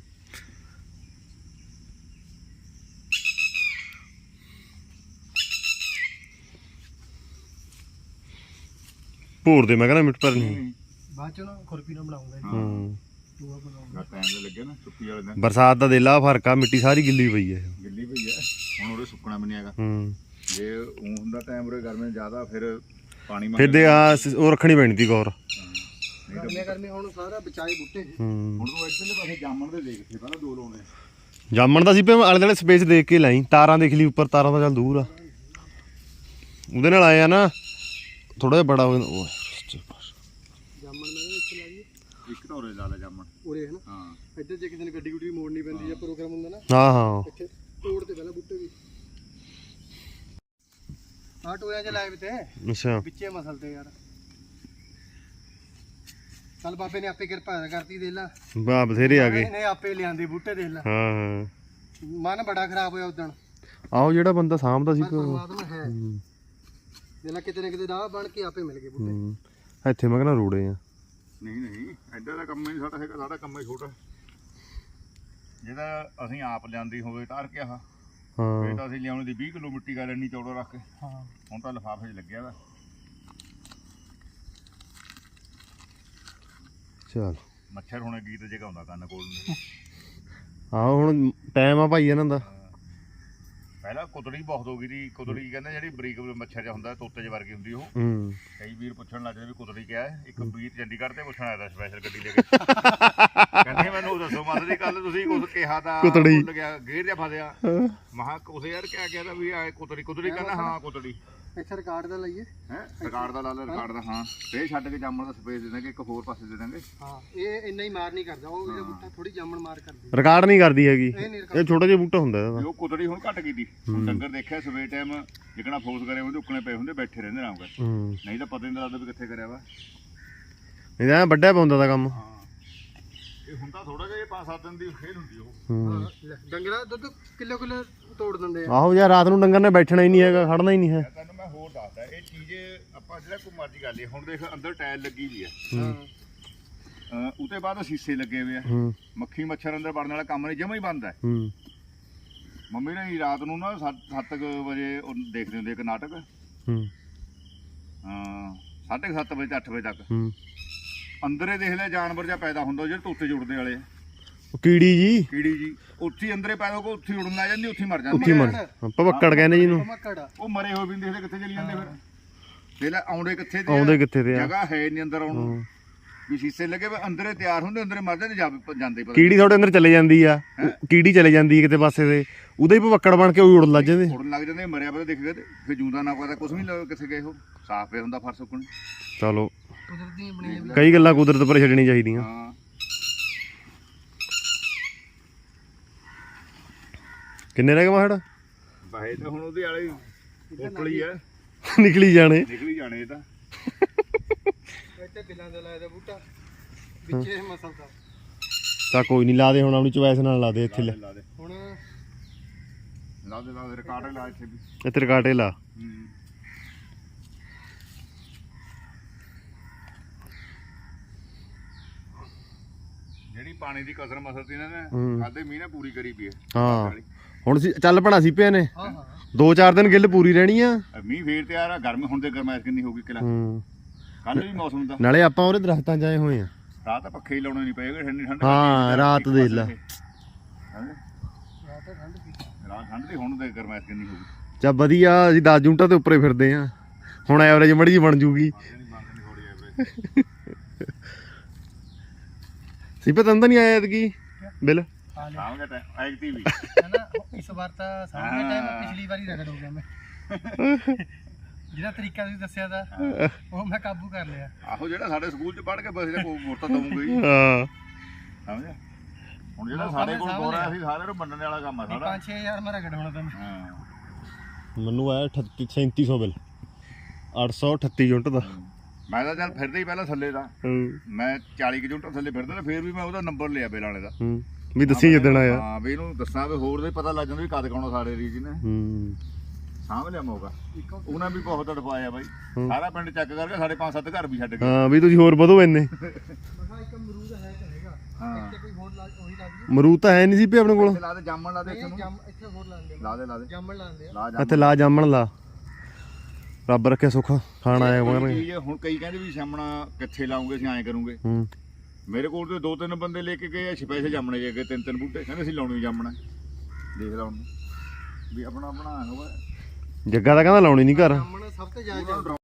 D: ਭੋਰ ਦੇ ਮੈਂ ਕਹਿੰਦਾ ਮਿੱਟ ਪਰ ਨਹੀਂ
C: ਬਾਅਦ ਚ ਨਾ ਖੁਰਪੀ ਨਾਲ ਬਣਾਉਂਗਾ ਜੀ
D: ਹੂੰ
C: ਟੂਆ ਬਣਾਉਂਗਾ
A: ਟਾਈਮ ਤੇ ਲੱਗੇ ਨਾ ਛੁੱਟੀ ਵਾਲੇ ਦਿਨ
D: ਬਰਸਾਤ ਦਾ ਦੇਲਾ ਫਰਕ ਆ ਮਿੱਟੀ ਸਾਰੀ ਗਿੱਲੀ ਪਈ ਹੈ
A: ਗਿੱਲੀ ਪਈ ਹੈ ਹੁਣ ਉਹਦੇ ਸੁੱਕਣਾ ਵੀ ਨਹੀਂ ਹੈਗਾ
D: ਹੂੰ
A: ਜੇ ਉਹ ਹੁੰਦਾ ਟਾਈਮ ਉਰੇ ਗਰਮੀ ਜ਼ਿਆਦਾ ਫਿਰ ਪਾਣੀ ਮੰਗ
D: ਫਿਰ ਦੇ ਆ ਸ- ਉਹ ਰੱਖਣੀ ਪੈਣੀ ਤੀ ਗੌਰ
C: ਗਰਮੀਆਂ ਗਰਮੀ ਹੁਣ ਸਾਰਾ ਬਚਾਏ ਬੂਟੇ
D: ਹੂੰ
A: ਹੁਣ ਤੂੰ ਇੱਧਰਲੇ ਪਾਸੇ ਜਾਮਣ ਦੇ ਦੇਖ ਪਹਿਲਾਂ ਦੋ ਲਾਉਣੇ
D: ਜਾਮਣ ਦਾ ਸੀ ਪੇ ਆਲੇ ਦੁਆਲੇ ਸਪੇਸ ਦੇਖ ਕੇ ਲਾਈ ਤਾਰਾਂ ਦੇਖ ਲਈ ਉੱਪਰ ਤਾਰਾਂ ਤਾਂ ਚੱਲ ਦੂਰ ਆ ਉਹਦੇ ਨਾਲ ਆਇਆ ਨਾ ਥੋੜਾ ਜਿਹਾ ਬੜਾ ਹੋ ਜਾਂਦਾ ਉਹ
C: ਜਾਮਣ ਮੈਂ ਇੱਥੇ ਲਾ ਜੀ
A: ਇੱਕ ਤਾਂ ਉਰੇ ਲਾ ਲੈ ਜਾਮਣ
C: ਉਰੇ ਹੈ ਨਾ
A: ਹਾਂ
C: ਇੱਧਰ ਜੇ ਕਿਸੇ ਨੇ ਗੱਡੀ ਗੁੱਡੀ ਮੋੜਨੀ ਪੈਂਦੀ ਜਾਂ ਪ੍ਰੋਗਰਾਮ ਹੁੰਦਾ ਨਾ
D: ਹਾਂ ਹਾਂ
C: ਇੱਥੇ ਤੋੜ ਤੇ ਪਹਿਲਾਂ ਬੂਟੇ ਵੀ ਆਹ ਟੋਇਆ ਚ ਲਾਏ ਵੀ ਤੇ
D: ਅੱਛਾ
C: ਵਿੱਚੇ ਮਸਲ ਤੇ ਯਾਰ ਚੱਲ ਬਾਬੇ ਨੇ ਆਪੇ ਕਿਰਪਾ ਕਰਤੀ ਦੇ ਲਾ
D: ਬਾ ਬਥੇਰੇ ਆ ਗਏ
C: ਇਹਨੇ ਆਪੇ ਲਿਆਂਦੇ ਬੂਟੇ ਦੇਖ ਲਾ
D: ਹਾਂ ਹਾਂ
C: ਮਨ ਬੜਾ ਖਰਾਬ ਹੋਇਆ ਉਦਣ
D: ਆਹੋ ਜਿਹੜਾ ਬੰਦਾ ਸਾਂਭਦਾ ਸੀ
C: ਪਰ
D: ਪਿਓ
C: ਪਰਮਾਤਮਾ ਹੈ ਦੇਖ ਲਾ ਕਿਤੇ ਨਾ ਕਿਤੇ ਰਾਹ ਬਣ ਕੇ ਆਪੇ ਮਿਲ ਗਏ ਬੂਟੇ
D: ਹੂੰ ਇੱਥੇ ਮੈਂ ਕਹਿੰਦਾ ਰੋੜੇ ਆ
A: ਨਹੀਂ ਨਹੀਂ ਐਡਾ ਦਾ ਕੰਮ ਹੀ ਨਹੀਂ ਸਾਡਾ ਹੈਗਾ ਸਾਡਾ ਕੰਮ ਹੀ ਛੋਟਾ ਜਿਹਦਾ ਅਸੀਂ ਆਪ ਲਿਆਂਦੀ ਹੋਵੇ ਤਾਰ ਕੇ ਆਹ
D: ਹਾਂ
A: ਇਹ ਤਾਂ ਅਸੀਂ ਲਿਆਉਣ ਦੀ ਵੀਹ ਕਿਲੋ ਮਿੱਟੀ ਗਾ ਲੈਣੀ ਚੌੜਾ ਰੱਖ ਕੇ
C: ਹਾਂ
A: ਹੁਣ ਤਾਂ ਲਿਫਾਫੇ 'ਚ ਲੱਗਿਆ ਵਾ
D: ਚਲ
A: ਮੱਛਰ ਹੁਣੇ ਗੀਤ ਜਗਾਉਂਦਾ ਕੰਨ ਕੋਲ ਨੂੰ
D: ਆਹੋ ਹੁਣ ਟਾਈਮ ਆ ਭਾਈ ਇਹਨਾਂ ਦਾ
A: ਪਹਿਲਾਂ ਕੁਤੜੀ ਬਹੁਤ ਹੋ ਗਈ ਦੀ ਕੁਤੜੀ ਕਹਿੰਦੇ ਜਿਹੜੀ ਬਰੀਕ ਮੱਛਰ ਜਿਹਾ ਹੁੰਦਾ ਤੋਤੇ ਜਿਹੇ ਵਰਗੀ ਹੁੰਦੀ ਉਹ
D: ਹੂੰ
A: ਕਈ ਵੀਰ ਪੁੱਛਣ ਲੱਗ ਜਾਂਦੇ ਵੀ ਕੁਤੜੀ ਕਿਆ ਹੈ ਇੱਕ ਵੀਰ ਚੰਡੀਗੜ੍ਹ ਤੇ ਪੁੱਛਣ ਆਇਆ ਸਪੈਸ਼ਲ ਗੱਡੀ ਲੈ ਕੇ ਕਹਿੰਦੇ ਮੈਨੂੰ ਉਹ ਦੱਸੋ ਮਤ ਦੀ ਗੱਲ ਤੁਸੀਂ ਕੁਝ ਕਿਹਾ ਤਾਂ
D: ਕੁਤੜੀ।
A: ਭੁੱਲ ਗਿਆ ਗੇਰ ਜਿਹਾ ਫਸਿਆ ਮਹਾ ਕੁਸੇ ਯਾਰ ਕਿਆ ਕਿਹਾ ਤਾਂ ਵੀ ਆ ਕੁਤੜੀ ਕੁਤੜੀ ਕਹਿੰਦਾ ਹਾਂ ਕੁਤੜੀ
C: ਇੱਥੇ ਰਿਕਾਰਡ ਦਾ ਲਈਏ
A: ਹੈ ਰਿਕਾਰਡ ਦਾ ਲਾ ਲੈ ਰਿਕਾਰਡ ਦਾ ਹਾਂ ਫੇਰ ਛੱਡ ਕੇ ਜਾਮਣ ਦਾ ਸਪੇਸ ਦੇ ਦਾਂਗੇ ਇੱਕ ਹੋਰ ਪਾਸੇ ਦੇ ਦਾਂਗੇ
C: ਹਾਂ ਇਹ ਇੰਨਾ ਹੀ ਮਾਰ ਨਹੀਂ ਕਰਦਾ ਉਹ ਇਹਦਾ ਬੂਟਾ ਥੋੜੀ ਜਾਮਣ ਮਾਰ ਕਰਦੀ
D: ਰਿਕਾਰਡ ਨਹੀਂ ਕਰਦੀ ਹੈਗੀ
C: ਇਹ ਨਹੀਂ
D: ਇਹ ਛੋਟਾ ਜਿਹਾ ਬੂਟਾ ਹੁੰਦਾ ਇਹਦਾ
A: ਵੀ ਉਹ ਕੁਤੜੀ ਹੁਣ ਘੱਟ ਕੀਤੀ ਹੁਣ ਡੰਗਰ ਦੇਖਿਆ ਸਵੇਰ ਟਾਈਮ ਜਿਕਣਾ ਫੋਰਸ ਕਰੇ ਹੁੰਦੇ ਉੱਕਣੇ ਪਏ ਹੁੰਦੇ ਬੈਠੇ ਰਹਿੰਦੇ ਆਰਾਮ ਕਰ
D: ਹੂੰ
A: ਨਹੀਂ ਤਾਂ ਪਤਾ ਨਹੀਂ ਲੱਗਦਾ ਵੀ ਕਿੱਥੇ ਕਰਿਆ ਵਾ
D: ਇਹਦਾ ਵੱਡਾ ਪਾਉਂਦਾ ਦਾ ਕੰਮ
A: ਹਾਂ ਇਹ ਹੁਣ ਤਾਂ ਥੋੜਾ ਜਿਹਾ ਪੰਜ ਸੱਤ ਦਿਨ ਦੀ ਖੇਲ ਹੁੰਦੀ ਉਹ
D: ਹੂੰ
C: ਲੈ, ਡੰਗਰਾ ਦੁੱਧ ਕਿਲੋ ਕਿਲੋ ਤੋੜ ਦਿੰਦੇ ਆ
D: ਆਹੋ ਯਾਰ ਰਾਤ ਨੂੰ ਡੰਗਰ ਨੇ ਬੈਠਣਾ ਹੀ ਨਹੀਂ ਹੈਗਾ ਖੜਨਾ ਹੀ ਨਹੀਂ ਹੈ
A: ਤੈਨੂੰ ਮੈਂ ਹੋਰ ਦੱਸਦਾ ਇਹ ਚੀਜ਼ ਆਪਾਂ ਜਿਹੜਾ ਕੋਈ ਮਰਜ਼ੀ ਕਰ ਲਈ ਹੁਣ ਦੇਖ ਅੰਦਰ ਟਾਇਲ ਲੱਗੀ ਵੀ ਆ
C: ਹਾਂ
A: ਅਹ ਉਹਦੇ ਬਾਅਦ ਸ਼ੀਸ਼ੇ ਲੱਗੇ ਹੋਏ ਆ
D: ਹੂੰ
A: ਮੱਖੀ ਮੱਛਰ ਅੰਦਰ ਵੜਨ ਵਾਲਾ ਕੰਮ ਨਹੀਂ ਜਮਾ ਹੀ ਬੰਦ ਹੈ
D: ਹੂੰ
A: ਮੰਮੀ ਨੇ ਰਾਤ ਨੂੰ ਨਾ ਸੱਤ ਵਜੇ ਉਹ ਦੇਖਦੇ ਹੁੰਦੇ ਇੱਕ ਨਾਟਕ
D: ਹੂੰ
A: ਹਾਂ ਸਾਢੇ ਕੁ ਸੱਤ ਵਜੇ ਤੋਂ ਅੱਠ ਵਜੇ ਤੱਕ
D: ਹੂੰ
A: ਅੰਦਰੇ ਦੇਖ ਲੈ ਜਾਨਵਰ ਜਿਹਾ ਪੈਦਾ ਹੁੰਦਾ ਜਿਹੜੇ ਤੋਤੇ ਜੁੜਦੇ ਵਾਲੇ ਆ।
D: ਉਹ ਕੀੜੀ ਜੀ
A: ਕੀੜੀ ਜੀ ਉੱਥੇ ਹੀ ਅੰਦਰੇ ਪੈਦਾ ਹੋ ਕੇ ਉੱਥੇ ਹੀ ਉੜਨ ਲੱਗ ਜਾਂਦੀ ਉੱਥੇ ਹੀ ਮਰ
D: ਉੱਥੇ
A: ਜਾਂਦੀ
D: ਮਰ ਭਵੱਕੜ ਕਹਿੰਦੇ ਜਿਹਨੂੰ
C: ਮੱਕੜ
A: ਉਹ ਮਰੇ ਹੋਏ ਵੀ ਨੀ ਦੇਖਦੇ ਕਿੱਥੇ ਚਲੀ ਜਾਂਦੇ ਫਿਰ ਦੇਖ ਲੈ ਆਉਂਦੇ ਕਿੱਥੇ ਤੇ ਆ,
D: ਆਉਂਦੇ ਕਿੱਥੇ ਤੇ ਆ
A: ਜਗ੍ਹਾ ਹੈ ਨਹੀਂ ਅੰਦਰ ਆਉਣ ਨੂੰ
D: ਹੂੰ।
A: ਵੀ ਸ਼ੀਸ਼ੇ ਲੱਗੇ ਵੇ ਅੰਦਰੇ ਤਿਆਰ ਹੁੰਦੇ ਅੰਦਰੇ ਮਰ ਜਾਂਦੇ ਜਾ- ਜਾਂਦੇ ਪਤਾ
D: ਕੀੜੀ ਤੁਹਾਡੇ ਅੰਦਰ ਚਲੇ ਜਾਂਦੀ ਆ ਉਹ ਕੀੜੀ ਚਲੇ ਜਾਂਦੀ ਹੈ ਕਿਤੇ ਪਾਸੇ ਤੇ ਉਹਦੇ ਹੀ ਭਵੱਕੜ ਬਣ ਕੇ ਉਹ ਉੜਨ ਲੱਗ ਜਾਂਦੇ
A: ਉੜਨ ਲੱਗ ਜਾਂਦੇ ਮਰਿਆ ਪਤਾ ਦਿਖ ਗਏ ਤੇ ਫਿਰ ਜੂੰਦਾ ਨਾ ਪਤਾ ਕੁਝ ਵੀ ਨੀ ਕਿੱਥੇ ਗਏ ਉਹ ਸਾਫ਼ ਪਿਆ ਹੁੰਦਾ ਫਰਸ਼ ਉੱਕਣ
D: ਚਲੋ
C: ਕੁਦਰਤੀ ਬਣੀਆਂ ਵੀ
D: ਕਈ ਗੱਲਾਂ ਕੁਦਰਤ ਪਰ ਛੱਡਣੀ ਚਾਹੀਦੀਆਂ
A: ਹਾਂ
D: ਕਿੰਨੇ ਰਹਿ ਗਏ ਮਾਹੜ
A: ਬਾਹੇ ਤਾਂ ਹੁਣ ਉਹਦੇ ਵਾਲੇ ਉਟਲੀ ਆ
D: ਨਿਕਲੀ ਜਾਣੇ
A: ਨਿਕਲੀ ਜਾਣੇ ਇਹ ਤਾਂ
C: ਇੱਥੇ ਬਿਲਾਂ ਦਾ ਲਾਇਆ ਦਾ ਬੂਟਾ ਵਿੱਚੇ ਇਹ ਮਸਲ ਦਾ
D: ਤਾਂ ਕੋਈ ਨਹੀਂ ਲਾ ਦੇ ਹੁਣ ਆਪਣੀ ਚੁਆਇਸ ਨਾਲ ਲਾ ਦੇ ਇੱਥੇ ਲੈ
A: ਲਾ ਦੇ
C: ਹੁਣ
A: ਲਾ ਦੇ ਲਾ ਦੇ ਰਿਕਾਰਡ ਲਾ ਇੱਥੇ ਵੀ
D: ਇੱਥੇ ਰਕਾਟੇ ਲਾ
A: ਹੂੰ। ਜਿਹੜੀ ਪਾਣੀ ਦੀ ਕਸਰ ਮਸਰ ਸੀ ਇਹਨਾਂ ਨੇ
D: ਹੂੰ।
A: ਖਾਦੇ ਮੀਂਹ ਨੇ ਪੂਰੀ ਕਰੀ ਪਈ ਹੈ
D: ਹਾਂ ਹੁਣ ਸੀ- ਚੱਲ ਪਣਾ ਸੀ ਪਏ ਨੇ
C: ਹਾਂ ਹਾਂ
D: ਦੋ ਚਾਰ ਦਿਨ ਗਿੱਲ ਪੂਰੀ ਰਹਿਣੀ ਆ
A: ਅਹ ਮੀਂਹ ਫੇਰ ਤਿਆਰ ਆ ਗਰਮੀ ਹੁਣ ਤੇ ਗਰਮੈਸ਼ ਕਿੰਨੀ ਹੋ ਗਈ ਕਿਲਾ
D: ਹੂੰ
A: ਕੱਲ ਵੀ ਮੌਸਮ ਦਾ
D: ਨਾਲੇ ਆਪਾਂ ਉਹਦੇ ਦਰਖਤਾਂ 'ਚ ਆਏ ਹੋਏ ਆ
A: ਰਾਤ ਤਾਂ ਪੱਖੇ ਹੀ ਲਾਉਣੇ ਨਹੀਂ ਪਏਗੇ ਠੰਡੀ ਠੰਡ
D: ਹਾਂ, ਰਾਤ ਦੇਖ ਲਾ।
C: ਰਾਤ ਤਾਂ ਠੰਡ ਪੀ
A: ਰਾਤ ਠੰਡ ਦੀ ਹੁਣ ਤੇ ਗਰਮੈਸ਼ ਕਿੰਨੀ ਹੋ ਗਈ
D: ਚੱਲ ਵਧੀਆ ਅਸੀਂ ਦਸ ਜੂਨਟਾਂ ਤੇ ਉੱਪਰੇ ਫਿਰਦੇ ਆ ਹੁਣ ਐਵਰੇਜ ਮੜੀ ਜੀ ਬਣ ਜੂਗੀ
A: ਨਹੀਂ ਮੰਗਣੀ ਥੋੜੀ ਐਵਰੇਜ
D: ਸਿਪੇ ਤੰਦਾ ਨਹੀਂ ਆਇਆ ਐਤਕੀ ਬਿੱਲ
C: ਆ ਲਿਆ
A: ਸਾਹਮਣੇ ਟਾਈਮ ਐਕਟੀ ਵੀ
C: ਹੈ ਨਾ ਇਸ ਵਾਰ ਤਾਂ ਸਾਹਮਣੇ ਟਾਈਮ ਪਿਛਲੀ ਵਾਰੀ ਰਗੜ ਹੋ ਗਿਆ ਮੈਂ ਜਿਹੜਾ ਤਰੀਕਾ ਤੁਸੀਂ ਦੱਸਿਆ ਦਾ ਉਹ ਮੈਂ ਕਾਬੂ ਕਰ ਲਿਆ
A: ਆਹੋ ਜਿਹੜਾ ਸਾਡੇ ਸਕੂਲ ਚ ਪੜ੍ਹ ਕੇ ਬਸ ਇਹ ਮੋਰਤਾ ਦਊਂਗਾ ਹੀ
D: ਹਾਂ
A: ਸਮਝਿਆ ਹੁਣ ਜਿਹੜਾ ਸਾਡੇ ਕੋਲ ਬੋਰਾ ਅਸੀਂ ਸਾਰਿਆਂ ਨੂੰ ਵੰਡਣ ਵਾਲਾ ਕੰਮ ਆ ਸਾਡਾ
C: ਪੰਜ ਛੇ ਹਜ਼ਾਰ ਮੈਂ ਰਗੜ ਹੋਣਾ ਤੁਹਾਨੂੰ
A: ਹਾਂ
D: ਮੈਨੂੰ ਆਇਆ ਅਠੱਤੀ ਸੈਂਤੀ ਸੌ ਬਿੱਲ ਅੱਠ ਸੌ ਅਠੱਤੀ ਯੂਨਿਟ ਦਾ
A: ਮੈਂ ਤਾਂ ਚੱਲ ਫਿਰਦਾ ਹੀ ਪਹਿਲਾਂ ਥੱਲੇ ਦਾ
D: ਹੂੰ
A: ਮੈਂ ਚਾਲੀ ਕੁ ਯੂਨਿਟ ਥੱਲੇ ਫਿਰਦਾ ਨਾ ਫੇਰ ਵੀ ਮੈਂ ਉਹਦਾ ਨੰਬਰ ਲਿਆ ਬਿੱਲ ਵਾਲੇ ਦਾ
D: ਹੂੰ ਵੀ ਦੱਸੀ ਜਿੱਦਣ ਆਇਆ
A: ਹਾਂ ਵੀ ਇਹਨੂੰ ਦੱਸਾਂ ਵੀ ਹੋਰ ਦੇ ਪਤਾ ਲੱਗ ਜਾਂਦਾ ਵੀ ਕਦ ਕਾਉਣਾ ਸਾਡੇ ਰੀਜ ਨੇ
D: ਹੂੰ
A: ਸਾਂਭ ਲਿਆ ਮੌਕਾ ਉਹਨਾਂ ਵੀ ਬਹੁਤ ਤੜਫਾਇਆ ਬਾਈ ਸਾਰਾ ਪਿੰਡ ਚੈੱਕ ਕਰਕੇ ਸਾਡੇ ਪੰਜ ਸੱਤ ਘਰ ਵੀ ਛੱਡ ਗਏ
D: ਹਾਂ ਵੀ ਤੁਸੀਂ ਹੋਰ ਵਧੋ ਇੰਨੇ
C: ਮਗਾ ਇੱਕ ਅਮਰੂਦ ਹੈ ਤਾਂ ਹੈਗਾ
A: ਹਾਂ
C: ਇੱਥੇ ਕੋਈ ਹੋਰ ਲਾ ਉਹੀ ਲਾ ਦਈਏ
D: ਮਰੂਦ ਤਾਂ ਹੈ ਨਹੀਂ ਸੀ ਪੇ ਆਪਣੇ ਕੋਲ
A: ਇੱਥੇ ਲਾ ਦੇ ਜਾਮਣ ਲਾ ਦੇ ਇੱਥੇ
C: ਇਹ
A: ਨੂੰ
C: ਜੰਮ ਇੱਥੇ ਹੋਰ ਲਾਉਂਦੇ
A: ਲਾ ਦੇ ਲਾ ਦੇ
C: ਜਾਮਣ ਲਾਉਂਦੇ ਆ
A: ਲਾ
D: ਇੱਥੇ ਲਾ ਜਾਮਣ ਲਾ ਰੱਬ ਰੱਖੇ ਸੁੱਖ ਖਾਣ ਆਇਆ
A: ਕੋਈ
D: ਕਰਾਂਗੇ
A: ਚੀਜ਼ ਹੁਣ ਕਈ ਕਹਿੰਦੇ ਵੀ ਸਾਹਮਣਾ ਕਿੱਥੇ ਲਾਉਂਗੇ ਅਸੀਂ ਐਂ ਕਰੂੰਗੇ
D: ਹੂੰ
A: ਮੇਰੇ ਕੋਲ ਤੇ ਦੋ ਤਿੰਨ ਬੰਦੇ ਲੈ ਕੇ ਗਏ ਆ ਸਪੈਸ਼ਲ ਜਾਮਣੇ ਜੇ ਗਏ ਤਿੰਨ ਤਿੰਨ ਬੂਟੇ ਕਹਿੰਦੇ ਅਸੀਂ ਲਾਉਣੀ ਜਾਮਣਾ ਦੇਖ ਲਾ ਹੁਣ ਵੀ ਆਪਣਾ ਬਣਾ ਹੋਵੇ
D: ਜੱਗਾ ਤਾਂ ਕਹਿੰਦਾ ਲਾਉਣੀ ਨਹੀਂ ਘਰ
C: ਜਾਮਣ ਸਭ ਤੋਂ ਜ਼ਿਆਦਾ ਚੱਲਦਾ